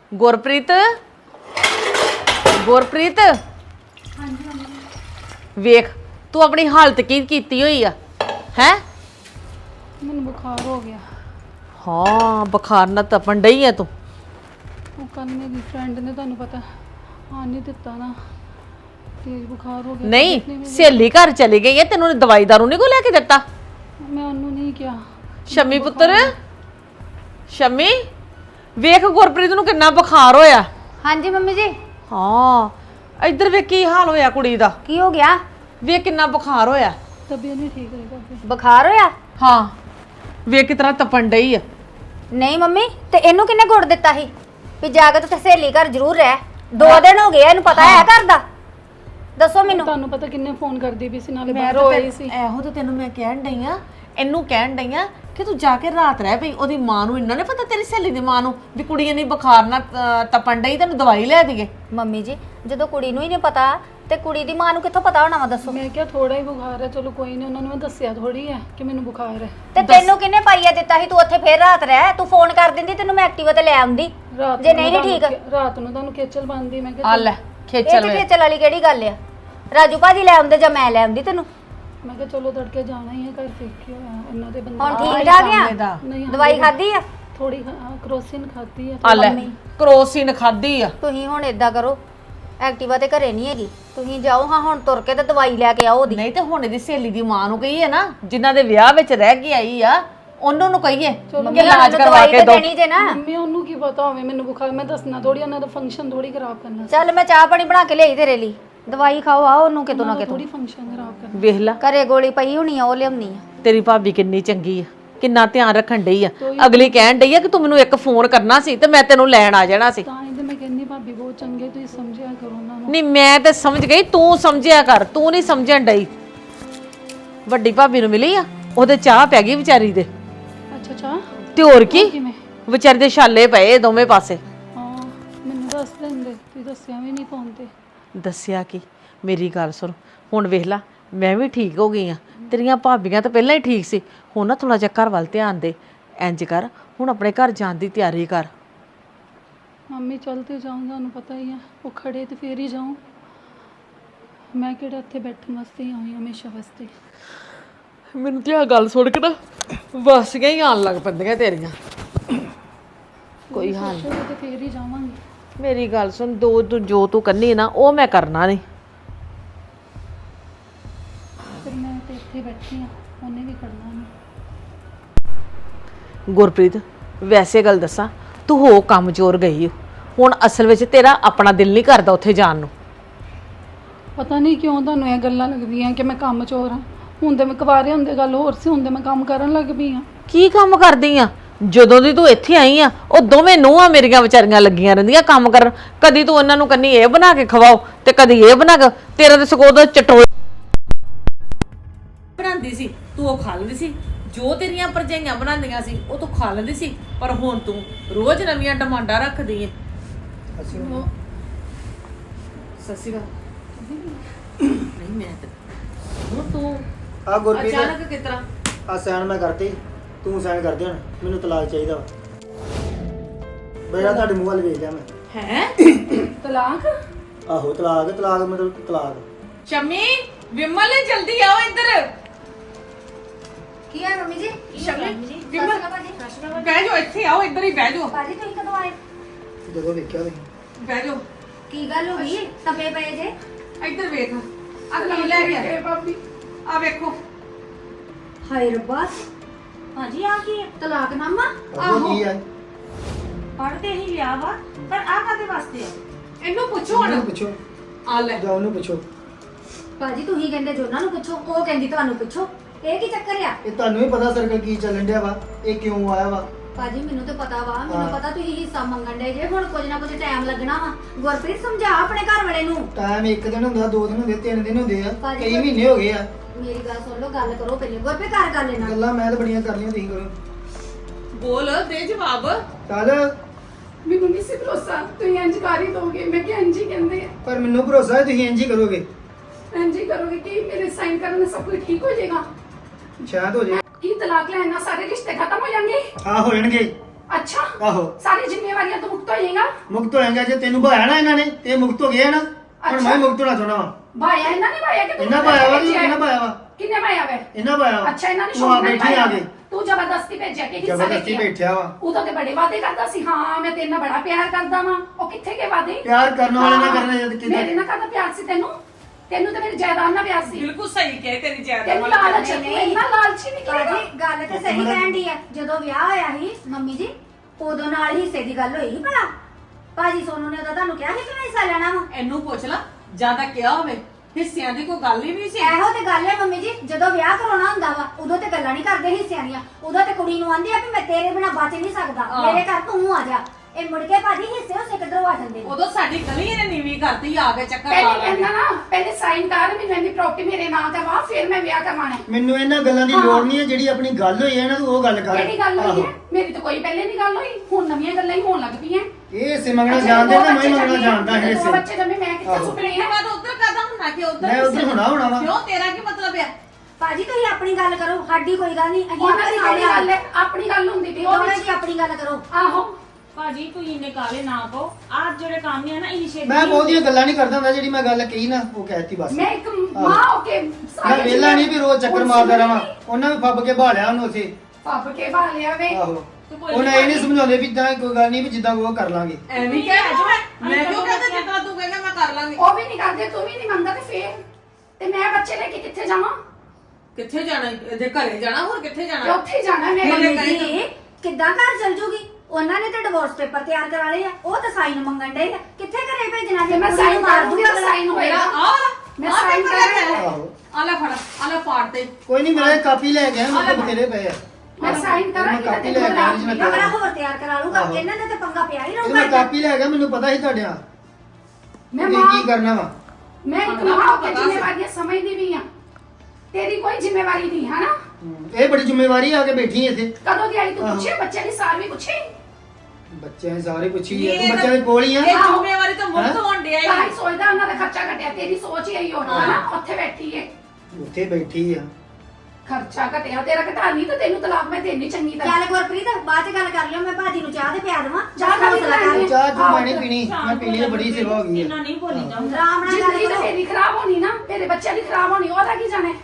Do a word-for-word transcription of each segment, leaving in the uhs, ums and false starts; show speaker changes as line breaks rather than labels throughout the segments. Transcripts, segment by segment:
ਗੁਰਪ੍ਰੀਤ ਗੁਰਪ੍ਰੀਤ
ਹਾਂਜੀ ਮੰਮੀ।
ਵੇਖ ਤੂੰ ਆਪਣੀ ਹਾਲਤ ਕੀ ਕੀਤੀ ਹੋਈ ਆ ਹੈ।
ਮੈਨੂੰ ਬੁਖਾਰ ਹੋ ਗਿਆ।
ਹਾਂ ਬੁਖਾਰ ਨਾਲ ਤਪਣ ਡਈ ਆ ਤੂੰ।
ਉਹ ਕੱਲ ਮੇਰੀ ਫਰੈਂਡ ਨੇ ਤੁਹਾਨੂੰ ਪਤਾ ਆਣ ਨਹੀਂ ਦਿੱਤਾ ਨਾ, ਤੇਜ਼ ਬੁਖਾਰ ਹੋ ਗਿਆ।
ਨਹੀਂ ਸਹੇਲੀ ਘਰ ਚਲੀ ਗਈ ਐ, ਤੈਨੂੰ ਦਵਾਈ ਦਾਰੂ ਨਹੀਂ ਕੋ ਲੈ ਕੇ ਦਿੱਤਾ?
ਮੈਂ ਉਹਨੂੰ ਨਹੀਂ ਕਿਹਾ।
ਸ਼ਮੀ ਪੁੱਤਰ ਸ਼ਮੀ ਵੇਖ ਗੁਰਪ੍ਰੀਤ ਨੂੰ ਕਿੰਨਾ ਬੁਖਾਰ ਹੋਇਆ।
ਹਾਂਜੀ ਮੰਮੀ ਜੀ।
ਹਾਂ ਇੱਧਰ ਵੇਖ ਕੀ ਹਾਲ ਹੋਇਆ ਕੁੜੀ ਦਾ।
ਕੀ ਹੋ ਗਿਆ?
ਵੇਖ ਕਿੰਨਾ ਬੁਖਾਰ ਹੋਇਆ।
ਤਬੀਅਤ ਨਹੀਂ ਠੀਕ ਰਹੀ ਭਾਬੀ।
ਬੁਖਾਰ ਹੋਇਆ?
ਹਾਂ ਵੇਖ ਕਿਤਨਾ ਤਪਣ ਡਈ ਆ।
ਨਹੀਂ ਮੰਮੀ, ਤੇ ਇਹਨੂੰ ਕਿੰਨੇ ਗੁੜ ਦਿੱਤਾ ਸੀ ਵੀ ਜਾ ਕੇ ਤੂੰ ਸਹੇਲੀ ਘਰ ਜ਼ਰੂਰ ਰਹਿ? ਦੋ ਦਿਨ ਹੋ ਗਏ, ਇਹਨੂੰ ਪਤਾ ਹੈ ਘਰ ਦਾ? ਦੱਸੋ ਮੈਨੂੰ।
ਤੁਹਾਨੂੰ ਪਤਾ ਕਿੰਨੇ ਫੋਨ ਕਰਦੀ ਵੀ ਸੀ, ਨਾਲੇ
ਮੈਂ
ਬਾਹਰ
ਤਾਂ
ਹੋਈ ਸੀ।
ਇਹੋ ਤਾਂ ਤੈਨੂੰ ਮੈਂ ਕਹਿਣ ਡਈ ਆ, ਇਹਨੂੰ ਕਹਿਣ ਡਈ ਆ ਕਿ ਤੂੰ ਜਾ ਕੇ ਰਾਤ ਰਹਿ ਪਈ। ਉਹਦੀ ਮਾਂ ਨੂੰ ਇੰਨਾ ਨਹੀਂ ਪਤਾ, ਤੇਰੀ ਸਹੇਲੀ ਦੀ ਮਾਂ ਨੂੰ, ਵੀ ਕੁੜੀ ਨਹੀਂ ਬੁਖਾਰ ਨਾਲ ਅਹ, ਤਪਣ ਡਈ, ਤੈਨੂੰ ਦਵਾਈ ਲੈ ਦੇਈਏ।
ਮੰਮੀ ਜੀ ਜਦੋਂ ਕੁੜੀ ਨੂੰ ਹੀ ਨਹੀਂ ਪਤਾ ਤੇ ਕੁੜੀ ਦੀ ਮਾਂ ਨੂੰ ਕਿੱਥੋਂ ਪਤਾ ਹੋਣਾ ਵਾ? ਦੱਸੋ।
ਮੈਂ ਕਿਹਾ ਥੋੜਾ ਹੀ ਬੁਖਾਰ ਹੈ, ਚਲੋ ਕੋਈ ਨਹੀਂ। ਉਹਨਾਂ ਨੂੰ ਮੈਂ ਦੱਸਿਆ ਥੋੜੀ ਹੈ ਕਿ ਮੈਨੂੰ ਬੁਖਾਰ ਹੈ।
ਤੇ ਤੈਨੂੰ ਕਿੰਨੇ ਪਾਈਆ ਦਿੱਤਾ ਸੀ? ਤੂੰ ਉੱਥੇ ਫੇਰ ਰਾਤ ਰਹਿ। ਤੂੰ ਫੋਨ ਕਰ ਦਿੰਦੀ, ਤੈਨੂੰ ਮੈਂ ਐਕਟਿਵਾ ਤੇ ਲੈ ਆਉਂਦੀ
ਰਾਤ
ਜੇ
ਨੂੰ
ਨਹੀਂ
ਤੁਹਾਨੂੰ-
ਠੀਕ।
ਰਾਤ ਨੂੰ ਤੁਹਾਨੂੰ ਖੇਚਲ ਬਣਦੀ। ਮੈਂ
ਆ
ਕਿਹਾ
ਲੈ
ਇਹ
ਖੇਚਲ
ਤੇ
ਵੇ।
ਖੇਚਲ ਵਾਲੀ ਕਿਹੜੀ ਗੱਲ ਆ? ਰਾਜੂ ਭਾਜੀ ਲੈ ਆਉਂਦੇ ਜਾਂ ਮੈਂ ਲੈ ਆਉਂਦੀ ਤੈਨੂੰ?
ਮੈਂ ਕਿਹਾ ਚਲੋ ਤੜਕੇ ਜਾਣਾ ਹੀ ਹੈ, ਘਰ ਫੇਕ ਕੇ ਹੋਇਆ ਇਹਨਾਂ ਦੇ ਬੰਦੇ।
ਹੁਣ ਠੀਕ ਠਾਕ ਆ?
ਨਹੀਂ
ਦਵਾਈ ਖਾਧੀ ਆ?
ਥੋੜੀ ਕਰੋਸਿਨ ਖਾਧੀ ਹੈ।
ਆ ਲੈ ਕਰੋਸਿਨ ਖਾਧੀ ਆ।
ਤੁਸੀਂ ਹੁਣ ਏਦਾਂ ਕਰੋ, ਐਕਟਿਵਾ ਤੇ ਘਰੇ ਨਹੀਂ ਹੈਗੀ, ਤੁਸੀਂ ਜਾਓ ਹਾਂ ਹੁਣ ਤੁਰ ਕੇ ਤੇ ਦਵਾਈ ਲੈ ਕੇ ਆਓ ਉਹਦੀ।
ਨਹੀਂ ਤੇ ਹੁਣ ਇਹਦੀ ਸਹੇਲੀ ਦੀ ਮਾਂ ਨੂੰ ਕਹੀਏ ਨਾ, ਜਿਨ੍ਹਾਂ ਦੇ ਵਿਆਹ ਵਿੱਚ ਰਹਿ ਕੇ ਆਈ ਆ, ਉਹਨਾਂ ਨੂੰ ਕਹੀਏ ਕਿ ਇਲਾਜ ਕਰਵਾ ਕੇ ਦੋ।
ਦੇਣੀ ਜੇ ਨਾ।
ਮੰਮੀ ਉਹਨੂੰ ਕੀ ਪਤਾ ਹੋਵੇ ਮੈਨੂੰ ਬੁਖਾਰ? ਮੈਂ ਦੱਸਣਾ ਥੋੜੀ, ਉਹਨਾਂ ਦਾ ਫੰਕਸ਼ਨ ਥੋੜੀ ਖਰਾਬ ਕਰਨਾ।
ਚੱਲ ਮੈਂ ਚਾਹ ਪਾਣੀ ਬਣਾ ਕੇ ਲਿਆਈ ਤੇਰੇ ਲਈ, ਦਵਾਈ ਖਾਓ ਆ ਉਹਨੂੰ ਕਿਤੋਂ ਨਾ ਕਿਤੋਂ।
ਥੋੜੀ ਫੰਕਸ਼ਨ ਖਰਾਬ ਕਰਨਾ।
ਵੇਖ ਲਾ
ਘਰੇ ਗੋਲੀ ਪਈ ਹੋਣੀ ਆ, ਉਹ ਲਿਆਉਣੀ ਆ।
ਤੇਰੀ ਭਾਬੀ ਕਿੰਨੀ ਚੰਗੀ ਆ, ਕਿੰਨਾ ਧਿਆਨ ਰੱਖਣ ਡਈ ਆ। ਅਗਲੀ ਕਹਿਣ ਡਈ ਆ ਕਿ ਤੂੰ ਮੈਨੂੰ ਇੱਕ ਫੋਨ ਕਰਨਾ ਸੀ ਤੇ ਮੈਂ ਤੈਨੂੰ ਲੈਣ ਆ ਜਾਣਾ ਸੀ।
ਤਾਂ ਇਹਦੇ ਮੈਂ ਕਹਿੰਦੀ ਭਾਬੀ ਬਹੁਤ ਚੰਗੇ, ਤੁਸੀਂ ਸਮਝਿਆ ਕਰੋ ਉਹਨਾਂ ਨੂੰ।
ਨਹੀਂ ਮੈਂ ਤੇ ਸਮਝ ਗਈ, ਤੂੰ ਸਮਝਿਆ ਕਰ। ਤੂੰ ਨਹੀਂ ਸਮਝਣ ਡਈ। ਵੱਡੀ ਭਾਬੀ ਨੂੰ ਮਿਲੀ ਆ, ਉਹਦੇ ਚਾਹ ਪੈ ਗਈ ਵਿਚਾਰੀ ਦੇ।
ਅੱਛਾ ਅੱਛਾ।
ਤੇ ਹੋਰ ਕੀ,
ਕਿਵੇਂ?
ਵਿਚਾਰੀ ਦੇ ਛਾਲੇ ਪਏ ਦੋਵੇਂ ਪਾਸੇ।
ਹਾਂ ਮੈਨੂੰ ਦੱਸ ਦਿੰਦੇ, ਤੁਸੀਂ ਦੱਸਿਆ ਵੀ ਨਹੀਂ ਫੋਨ ਤੇ।
ਦੱਸਿਆ ਕੀ? ਮੇਰੀ ਗੱਲ ਸੁਣ, ਹੁਣ ਵੇਖ ਲਾ ਮੈਂ ਵੀ ਠੀਕ ਹੋ ਗਈ ਆ। ਤੇਰੀਆਂ ਭਾਬੀਆਂ ਤਾਂ ਪਹਿਲਾਂ ਹੀ ਠੀਕ ਸੀ। ਹੁਣ ਨਾ ਥੋੜਾ ਜਿਹਾ ਘਰ ਵੱਲ ਧਿਆਨ ਦੇ। ਇੰਜ ਕਰ, ਹੁਣ ਆਪਣੇ ਘਰ ਜਾਣ ਦੀ ਤਿਆਰੀ ਕਰ।
ਮੰਮੀ ਚੱਲ ਤੇ ਜਾਊਂ, ਤੁਹਾਨੂੰ ਪਤਾ ਹੀ ਆ ਉਹ ਖੜੇ ਤੇ ਫੇਰ ਹੀ ਜਾਊਂ। ਮੈਂ ਕਿਹੜਾ ਇੱਥੇ ਬੈਠਣ ਵਾਸਤੇ ਹੀ ਆਈ ਹਮੇਸ਼ਾ ਵਾਸਤੇ।
ਮੈਨੂੰ ਤੇ ਆ ਗੱਲ ਸੁਣ ਕੇ ਨਾ ਬਸ ਗਈ ਆਣ ਲੱਗ ਪੈਂਦੀਆਂ ਤੇਰੀਆਂ। ਕੋਈ ਹਾਲ
ਚਲੋ ਤੇ ਫੇਰ ਹੀ ਜਾਵਾਂਗੀ।
ਮੇਰੀ ਗੱਲ ਸੁਣ, ਦੋ ਤੂੰ ਜੋ ਤੂੰ ਕਰਨੀ ਨਾ ਉਹ ਮੈਂ ਕਰਨਾ ਨਹੀਂ।
ਫਿਰ ਮੈਂ ਤੇ ਇੱਥੇ ਬੈਠੀ ਆ, ਉਹਨੇ ਵੀ ਖੜਨਾ ਨਹੀਂ।
ਗੁਰਪ੍ਰੀਤ ਵੈਸੇ ਗੱਲ ਦੱਸਾਂ, ਤੂੰ ਹੋ ਕਮਜ਼ੋਰ ਗਈ ਹੋ। ਹੁਣ ਅਸਲ ਵਿੱਚ ਤੇਰਾ ਆਪਣਾ ਦਿਲ ਨਹੀਂ ਕਰਦਾ ਉੱਥੇ ਜਾਣ ਨੂੰ।
ਪਤਾ ਨਹੀਂ ਕਿਉਂ ਤੁਹਾਨੂੰ ਇਹ ਗੱਲਾਂ ਲੱਗਦੀਆਂ ਕਿ ਮੈਂ ਕੰਮ ਚੋਰ ਹਾਂ। ਹੁਣ ਤੇ ਮੈਂ ਕੁਵਾਰੇ ਹੁੰਦੇ ਗੱਲ ਹੋਰ ਸੀ, ਹੁਣ ਤੇ ਮੈਂ ਕੰਮ ਕਰਨ ਲੱਗ ਪਈ ਆ।
ਕੀ ਕੰਮ ਕਰਦੀ ਆ? ਜਦੋਂ ਦੀ ਤੂੰ ਇੱਥੇ ਆਈ ਆ ਉਹ ਦੋਵੇਂ ਨੂੰਹਾਂ ਮੇਰੀਆਂ ਵਿਚਾਰੀਆਂ ਲੱਗੀਆਂ ਰਹਿੰਦੀਆਂ ਕੰਮ ਕਰਨ। ਕਦੀ ਤੂੰ ਉਹਨਾਂ ਨੂੰ ਕੰਨੀ ਇਹ ਬਣਾ ਕੇ ਖਵਾਓ ਤੇ ਕਦੀ ਇਹ ਬਣਾ ਕੇ। ਤੇਰਾ ਤੇ ਸਕੋ ਦਾ ਚਟੋ ਬਣਾਉਂਦੀ ਸੀ, ਤੂੰ ਉਹ ਖਾ ਲੈਂਦੀ ਸੀ। ਜੋ ਤੇਰੀਆਂ ਭਰਜਾਈਆਂ ਬਣਾਉਂਦੀਆਂ ਸੀ ਉਹ ਤੂੰ ਖਾ ਲੈਂਦੀ ਸੀ। ਪਰ ਹੁਣ ਤੂੰ ਰੋਜ਼ ਨਵੀਆਂ ਡਿਮਾਂਡਾਂ ਰੱਖਦੀ ਏ। ਸੱਸੀ ਗਾ ਨਹੀਂ ਮੈਂ ਤੇ ਹੁਣ ਤੂੰ
ਆ ਗੁਰਪ੍ਰੀਤ
ਅਚਾਨਕ ਕਿਸ ਤਰ੍ਹਾਂ?
ਆ ਸਾਈਨ ਮੈਂ ਕਰਤੀ, ਤੂੰ ਸਾਈਨ ਕਰ ਦੇ ਹੁਣ। ਮੈਨੂੰ ਤਲਾਕ ਚਾਹੀਦਾ ਵਾ। ਬਈ ਆ ਤੁਹਾਡੇ ਮੂੰਹ ਵੱਲ ਵੇਖ ਲਿਆ ਮੈਂ।
ਹੈ
ਤਲਾਕ?
ਆਹੋ ਤਲਾਕ, ਤਲਾਕ ਮਤਲਬ ਤਲਾਕ।
ਸ਼ਮੀ ਵਿਮਲ ਜਲਦੀ ਆਓ ਇੱਧਰ।
ਕੀ ਆ ਮੰਮੀ ਜੀ?
ਸ਼ਮੀ ਵਿਮਲ ਬਹਿ ਜਾਓ, ਇੱਥੇ ਆਓ, ਇੱਧਰ ਹੀ ਬਹਿ ਜਾਓ।
ਭਾਜੀ ਤੁਸੀਂ ਕਦੋਂ ਆਏ?
ਜਦੋਂ ਵੇਖਿਆ ਤੁਸੀਂ
ਬਹਿ ਜਾਓ,
ਕੀ ਗੱਲ ਹੋ ਗਈ? ਤਪੇ ਪਏ ਜੇ?
ਇੱਧਰ ਵੇਖ ਆ ਕੀ ਲੈ ਗਿਆ
ਭਾਬੀ।
ਆ ਵੇਖੋ।
ਹਾਏ ਰੱਬਾ, ਭਾਜੀ ਆ ਕੀ ਹੈ? ਤਲਾਕਨਾਮਾ?
ਆਹੋ ਕੀ ਆ?
ਪੜ੍ਹਦੇ ਹੀ ਲਿਆ ਵਾ, ਪਰ ਆ ਕਾਦੇ ਵਾਸਤੇ ਆ?
ਇਹਨੂੰ ਪੁੱਛੋ
ਉਹਨੂੰ
ਹੁਣ।
ਪੁੱਛੋ,
ਆ ਲੈ
ਜਾਂ ਉਹਨੂੰ ਪੁੱਛੋ।
ਭਾਜੀ ਤੁਸੀਂ ਕਹਿੰਦੇ ਜੋ ਉਹਨਾਂ ਨੂੰ ਪੁੱਛੋ, ਉਹ ਕਹਿੰਦੀ ਤੁਹਾਨੂੰ ਪੁੱਛੋ। ਇਹ ਕੀ ਚੱਕਰ ਆ?
ਇਹ ਤੁਹਾਨੂੰ ਵੀ ਪਤਾ ਸਰਕਲ ਕੀ ਚੱਲਣ ਡਿਆ ਵਾ, ਇਹ ਕਿਉਂ ਆਇਆ ਵਾ।
ਭਾਜੀ ਮੈਨੂੰ ਤਾਂ ਪਤਾ ਵਾ, ਮੈਨੂੰ
ਹਾਂ।
ਪਤਾ ਤੁਸੀਂ ਹਿੱਸਾ ਮੰਗਣ ਦੇ ਜੇ। ਹੁਣ ਕੁਝ ਨਾ ਕੁਝ ਟਾਈਮ ਲੱਗਣਾ ਵਾ। ਗੁਰਪ੍ਰੀਤ ਸਮਝਾ ਆਪਣੇ ਘਰ ਵਾਲੇ ਨੂੰ।
ਟਾਈਮ ਇੱਕ ਦਿਨ ਹੁੰਦਾ, ਦੋ ਦਿਨ ਹੁੰਦੇ, ਤਿੰਨ ਦਿਨ ਹੁੰਦੇ ਆ,
ਭਾਜੀ
ਕਈ ਮਹੀਨੇ ਹੋ ਗਏ ਆ।
ਮੇਰੀ ਗੱਲ ਸੁਣ ਲਓ, ਗੱਲ ਕਰੋ ਪਹਿਲੇ। ਗੁਰਪ੍ਰੀਤ ਘਰ ਕਰ ਲੈਣਾ।
ਗੱਲਾਂ ਮੈਂ ਤਾਂ ਬੜੀਆਂ ਕਰ ਲਈਆਂ, ਤੁਸੀਂ ਕਰੋ।
ਬੋਲ ਦੇ ਜਵਾਬ।
ਚੱਲ
ਮੈਨੂੰ ਨਹੀਂ ਸੀ ਭਰੋਸਾ ਤੁਸੀਂ ਇੰਜ ਕਰ ਹੀ ਦੋਗੇ। ਮੈਂ ਕਿਹਾ ਇੰਜ ਹੀ ਕਹਿੰਦੇ ਆ,
ਪਰ ਮੈਨੂੰ ਭਰੋਸਾ ਹੈ ਤੁਸੀਂ ਇੰਝ ਹੀ ਕਰੋਗੇ।
ਇੰਜ ਹੀ ਕਰੋਗੇ ਕਿ ਮੇਰੇ ਸਾਈਨ ਕਰਨ ਨਾਲ ਸਭ ਕੁਝ ਠੀਕ ਹੋ ਜਾਏਗਾ।
ਸ਼ਾਇਦ ਹੋ ਜਾਏ।
ਕੀ ਤਲਾਕ ਲੈਣਾ ਸਾਰੇ ਰਿਸ਼ਤੇ ਖਤਮ ਹੋ ਜਾਣਗੇ?
ਹਾਂ ਹੋ ਜਾਣਗੇ।
ਅੱਛਾ
ਆਹੋ
ਸਾਰੀ ਜ਼ਿੰਮੇਵਾਰੀਆਂ ਤੋਂ ਮੁਕਤ ਹੋ ਜਾਏਗਾ।
ਮੁਕਤ ਹੋਏਗਾ ਜੇ ਤੈਨੂੰ ਭਾਇਆ ਨਾ ਇਹਨਾਂ ਨੇ ਤੇ ਇਹ ਮੁਕਤ ਹੋ ਗਿਆ ਨਾ ਹੁਣ ਮੈਂ ਮੁਕਤ ਹੋਣਾ ਚਾਹੁੰਦਾ ਵਾ
ਭਾਇਆ ਇਹਨਾਂ ਨੇ ਭਾਇਆ ਕਿ ਤੂੰ
ਇਹਨਾਂ ਭਾਇਆ ਵਾ ਕਿ ਕਿਹਨਾਂ ਭਾਇਆ ਵਾ
ਕਿੰਨੇ ਭਾਇਆ ਵੇ?
ਇਹਨਾਂ ਭਾਇਆ ਵਾ
ਅੱਛਾ ਇਹਨਾਂ ਨੇ
ਤੂੰ ਆ
ਸ਼ੌਕ ਨਾਲ
ਬੈਠੀ ਆ ਗਏ
ਤੂੰ ਜ਼ਬਰਦਸਤੀ ਭੇਜਿਆ ਕਿ ਹਿੱਸਾ
ਜ਼ਬਰਦਸਤੀ
ਲੈ ਕੇ
ਬੈਠਿਆ ਵਾ
ਉਦੋਂ ਤੇ ਬੜੇ ਵਾਅਦੇ ਕਰਦਾ ਸੀ ਹਾਂ ਮੈਂ ਤੇਰੇ ਨਾਲ ਬੜਾ ਪਿਆਰ ਕਰਦਾ ਵਾਂ ਉਹ ਕਿੱਥੇ ਗਏ ਵਾਅਦੇ?
ਪਿਆਰ ਕਰਨ ਵਾਲੇ ਨਾਲ
ਹਾਂ,
ਕਰਨਾ ਜਦ ਕਿਦਾਂ
ਮੇਰੇ ਨਾਲ ਕਾਹਦਾ ਪਿਆਰ ਸੀ ਤੈਨੂੰ? ਤੈਨੂੰ ਤੇ ਮੇਰੀ ਜਾਇਦਾਦ ਨਾਲ ਪਿਆਰ ਸੀ।
ਬਿਲਕੁਲ ਸਹੀ ਕਹੇ ਤੇਰੀ ਜਾਇਦਾਦ
ਤੈਨੂੰ ਲਾਲਚ ਤੂੰ ਇੰਨਾ ਲਾਲਚੀ ਨਹੀਂ ਕਰੇਗਾ।
ਭਾਜੀ ਗੱਲ ਤੇ ਸਹੀ ਕਹਿਣ ਦੀ ਆ। ਜਦੋਂ ਵਿਆਹ ਹੋਇਆ ਸੀ ਮੰਮੀ ਜੀ ਉਦੋਂ ਨਾਲ ਹਿੱਸੇ ਦੀ ਗੱਲ ਹੋਈ ਸੀ ਭਲਾ ਭਾਜੀ ਸੋਨੂ ਨੇ ਉਦੋਂ ਤੁਹਾਨੂੰ ਕਿਹਾ ਸੀ ਕਿ ਮੈਂ ਹਿੱਸਾ ਲੈਣਾ ਵਾ?
ਇਹਨੂੰ ਪੁੱਛ ਲਾ ਜਿਆਦਾ ਕਿਹਾ ਹੋਵੇ ਹਿੱਸਿਆਂ ਦੀ ਕੋਈ ਗੱਲ ਹੀ ਨਹੀਂ ਸੀ।
ਇਹੋ ਤੇ ਗੱਲ ਹੈ ਮੰਮੀ ਜੀ ਜਦੋਂ ਵਿਆਹ ਕਰਾਉਣਾ ਹੁੰਦਾ ਵਾ ਉਦੋਂ ਤੇ ਗੱਲਾਂ ਨਹੀਂ ਕਰਦੇ ਹਿੱਸਿਆਂ ਦੀਆਂ। ਉਦੋਂ ਤੇ ਕੁੜੀ ਨੂੰ ਆਂਦੇ ਆ ਵੀ ਮੈਂ ਤੇਰੇ ਬਿਨਾ ਬਚ ਨਹੀਂ ਸਕਦਾ
ਹਾਂ।
ਮੇਰੇ ਘਰ ਤੂੰ ਆ ਜਾ। ਇਹ ਮੁੜ ਕੇ ਭਾਜੀ ਹਿੱਸੇ ਉਸੇ ਕਿੱਧਰੋਂ ਆ ਜਾਂਦੇ ਨੇ।
ਉਦੋਂ ਸਾਡੀ ਗਲੀ ਇਹਨੇ ਨੀਵੀਂ ਕਰਤੀ ਆ ਕੇ ਚੱਕਰ ਲਾ
ਪਹਿਲੇ
ਲਾ
ਕਹਿੰਦਾ ਨਾ ਪਹਿਲੇ ਸਾਈਨ ਕਰ ਮੈਨੂੰ ਇੰਨੀ ਪ੍ਰਾਪਰਟੀ ਮੇਰੇ ਨਾਂ ਕਰਵਾ ਫਿਰ ਮੈਂ ਵਿਆਹ ਕਰਵਾਣਾ।
ਮੈਨੂੰ ਇਹਨਾਂ ਗੱਲਾਂ ਦੀ ਲੋੜ ਨਹੀਂ ਹੈ ਜਿਹੜੀ ਆਪਣੀ ਗੱਲ ਹੋਈ ਹੈ ਨਾ ਤੂੰ ਉਹ ਗੱਲ ਕਰ
ਕਿਹੜੀ ਗੱਲ ਹੋਈ
ਆਹੋ।
ਹੈ? ਮੇਰੀ ਤਾਂ ਕੋਈ ਪਹਿਲੇ ਨਹੀਂ ਗੱਲ ਹੋਈ ਹੁਣ ਨਵੀਆਂ ਗੱਲਾਂ ਹੀ ਹੋਣ ਲੱਗ ਪਈਆਂ।
ਇਹ ਹਿੱਸੇ ਮੰਗਣਾ ਜਾਣਦੇ ਨਾ ਮੈਂ ਮੰਗਣਾ ਜਾਣਦਾ ਹੈ
ਦੋ
ਹਿੱਸੇ
ਬੱਚੇ ਜੰਮੇ ਮੈਂ ਕਿੱਥੇ
ਆਹੋ।
ਸੁਪਨੇ
ਇਹ
ਆ?
ਬਾਤ ਉਧਰ ਕਾਦਾ ਹੁੰਨਾ ਕਿ ਉਧਰ
ਮੈਂ ਉੱਧਰ ਹੋਣਾ ਹੋਣਾ ਵਾ।
ਕਿਉਂ ਤੇਰਾ ਕੀ ਮਤਲਬ ਹੈ?
ਭਾਜੀ ਤੁਸੀਂ ਆਪਣੀ ਗੱਲ ਕਰੋ ਸਾਡੀ ਕੋਈ ਗੱਲ ਨਹੀਂ। ਅਸੀਂ
ਉਹਨਾਂ ਦੀ
ਆਪਣੀ
ਸਾਡੀ ਗੱਲ ਹੈ ਆਪਣੀ ਗੱਲ ਹੁੰਦੀ ਪਈ ਉਹ
ਦੋਵੇਂ ਜੀ ਆਪਣੀ ਗੱਲ ਕਰੋ।
ਆਹੋ
ਭਾਜੀ ਤੁਸੀਂ ਇੰਨੇ ਕਾਲੇ ਨਾ ਪਾਓ ਆ ਜਿਹੜੇ ਕੰਮ ਆ ਨਾ ਇਹ ਛੇਤੀ
ਮੈਂ ਬਹੁਤੀਆਂ ਗੱਲਾਂ ਨਹੀਂ ਕਰਦਾ ਹੁੰਦਾ ਜਿਹੜੀ ਮੈਂ ਗੱਲ ਕਹੀ ਨਾ ਉਹ ਕਹਿਤੀ ਬਸ
ਮੈਂ ਇੱਕ ਮਾਂ ਹੋ ਕੇ
ਮੈਂ ਵੇਲਾ ਨਹੀਂ ਵੀ ਰੋਜ਼ ਚੱਕਰ ਮਾਰਦਾ ਰਵਾਂ ਉਹਨਾਂ ਵੀ ਫੱਬ ਕੇ ਭਾਲਿਆ ਉਹਨੂੰ ਉੱਥੇ
ਫੱਬ ਕੇ ਭਾਲਿਆ ਵੇ
ਆਹੋ
ਤੇ ਕੋਈ
ਉਹਨਾਂ ਇਹ ਨਹੀਂ ਸਮਝਾਉਂਦੇ ਵੀ ਇਦਾਂ ਕੋਈ ਗੱਲ ਨਹੀਂ ਵੀ ਜਿੱਦਾਂ ਉਹ ਕਰ ਲਾਂਗੇ
ਐਵੇਂ ਕਹਿ ਜੋ ਮੈਂ ਕਿਉਂ ਕਹਿੰਦਾ ਜਿੱਦਾਂ ਤੂੰ ਕਹਿੰਦਾ ਮੈਂ ਕਰ ਲਾਂਗੀ।
ਉਹ ਵੀ ਨਹੀਂ ਕਰਦੇ ਤੂੰ ਵੀ ਨਹੀਂ ਮੰਨਦਾ ਤੇ ਫੇਰ ਤੇ ਮੈਂ ਬੱਚੇ ਲੈ ਕੇ ਕਿੱਥੇ ਜਾਵਾਂ?
ਕਿੱਥੇ ਜਾਣਾ ਇਹਦੇ ਘਰੇ ਜਾਣਾ ਹੋਰ ਕਿੱਥੇ
ਤੇ
ਜਾਣਾ?
ਉੱਥੇ ਹੀ ਜਾਣਾ ਮੈਂ
ਮੇਰੇ
ਮੰਮੀ
ਕਹੇ
ਦੀ।
ਜੀ ਕਿੱਦਾਂ ਘਰ ਚਲ ਜੂਗੀ? ਉਹਨਾਂ ਨੇ ਤੇ ਡਿਵੋਰਸ ਪੇਪਰ ਤਿਆਰ ਕਰਾ ਲਏ ਆ ਉਹ ਤਾਂ ਸਾਈਨ ਮੰਗਣ ਡੇ ਆ। ਕਿੱਥੇ ਘਰੇ ਭੇਜਣਾ?
ਤੇ ਮੈਂ
ਕੁੜੀ ਨੂੰ
ਸਾਈਨ
ਮਾਰ
ਕਰ ਦੂੰਗੀ
ਦੂੰਗਾ
ਸਾਈਨ ਹੋਏਗਾ।
ਆ
ਮੈਂ
ਮੈਂ
sign
ਸਾਈਨ
ਕਰਾ
ਕਰ
ਲਿਆ।
ਆਹੋ
ਆ ਲੈ ਫੜ ਆ ਲੈ ਪਾੜ ਤੇ
ਕੋਈ ਨਹੀਂ ਮੇਰਾ ਕਾਪੀ ਲੈ ਕੇ ਆਇਆ ਮੇਰੇ ਬਥੇਰੇ ਪਏ ਆ
ਮੈਂ ਸਾਈਨ ਕਰਾਂਗੀ
ਮੈਂ ਕਾਪੀ
ਤੇ
ਲੈ
ਤੈਨੂੰ
ਕੇ ਆਇਆ
ਰਾਤ
ਜਿਹਨਾਂ
ਮਿਲਾਂਗਾ।
ਅਗਲਾ ਹੋਰ ਤਿਆਰ ਕਰਾ ਲੂਗਾ।
ਆਹੋ।
ਇਹਨਾਂ ਨੇ ਤੇ ਪੰਗਾ ਪਿਆ ਹੀ
ਇਹ ਮੈਂ
ਰਹੂਗਾ।
ਕਾਪੀ ਲੈ ਗਿਆ ਮੈਨੂੰ ਪਤਾ ਸੀ ਤੁਹਾਡਿਆਂ
ਮੈਂ
ਤੁਸੀਂ
ਮਾਂ
ਕੀ ਕਰਨਾ ਵਾ
ਮੈਂ ਇੱਕ
ਅਗਲਾ
ਮਾਂ ਹੋ ਕੇ
ਪਤਾ ਸੀ।
ਜ਼ਿੰਮੇਵਾਰੀਆਂ ਸਮਝਦੀ ਵੀ ਆ। ਤੇਰੀ ਕੋਈ ਜ਼ਿੰਮੇਵਾਰੀ ਨਹੀਂ ਹੈ ਨਾ।
ਹਮ, ਇਹ ਬੜੀ ਜ਼ਿੰਮੇਵਾਰੀ ਆ ਕੇ ਬੈਠੀ ਇੱਥੇ
ਕਦੋਂ ਦੀ ਆਈ ਤੂੰ
ਆਹੋ।
ਪੁੱਛੇ ਬੱਚੇ ਦੀ ਸਾਰ ਵੀ ਪੁੱਛੇ
ਬੱਚਿਆਂ ਸਾਰੇ ਪੁੱਛੀ ਆ
ਇਹ
ਤੂੰ
ਤਾਂ-
ਬੱਚਿਆਂ ਦੇ ਕੋਲ ਹੀ ਆ
ਇਹ ਜ਼ਿੰਮੇਵਾਰੀ ਤਾਂ ਮੁਕਤ
ਹੈਂ?
ਹੋਣ ਡਿਆ
ਤਾਂ
ਹੀ
ਹੀ ਸੋਚਦਾ ਉਹਨਾਂ ਦਾ ਖਰਚਾ ਘਟਿਆ ਤੇਰੀ ਸੋਚ ਹੀ ਆਈ ਹੋਣਾ ਹੈ ਨਾ ਉੱਥੇ ਬੈਠੀ ਹੈ
ਉੱਥੇ ਬੈਠੀ ਆ
ਖਰਚਾ ਘਟਿਆ ਤੇਰਾ ਘਟਾ ਨਹੀਂ ਤਾਂ ਤੈਨੂੰ ਤਲਾਕ ਮੈਂ ਦੇਣੀ ਚੰਗੀ ਤਰ੍ਹਾਂ
ਚੱਲ ਗੁਰਪ੍ਰੀਤ ਬਾਅਦ ਚ ਗੱਲ ਕਰ ਲਿਓ। ਮੈਂ ਭਾਜੀ ਨੂੰ ਚਾਹ ਦੇ ਪਿਆ ਦੇਵਾਂ।
ਚਾਹ ਦਾ ਵੀ
ਹੌਸਲਾ ਕਰ।
ਲੈਣੀ।
ਚਾਹ ਚੂ
ਆਹੋ,
ਪਾਣੀ ਪੀਣੀ ਮੈਂ ਪੀ ਲਈ ਬੜੀ ਸੇਵਾ ਹੋ ਗਈ
ਇੰਨਾ
ਆ
ਨਹੀਂ ਬੋਲੀ ਜਾਊਗਾ।
ਆਰਾਮ ਨਾਲ ਗੱਲ
ਜ਼ਿੰਦਗੀ ਤਾਂ
ਕਰੋ।
ਤੇਰੀ ਖਰਾਬ ਹੋਣੀ ਨਾ ਤੇਰੇ ਬੱਚਿਆਂ ਦੀ ਖਰਾਬ ਹੋਣੀ ਉਹਦਾ ਕੀ ਜਾਣੇ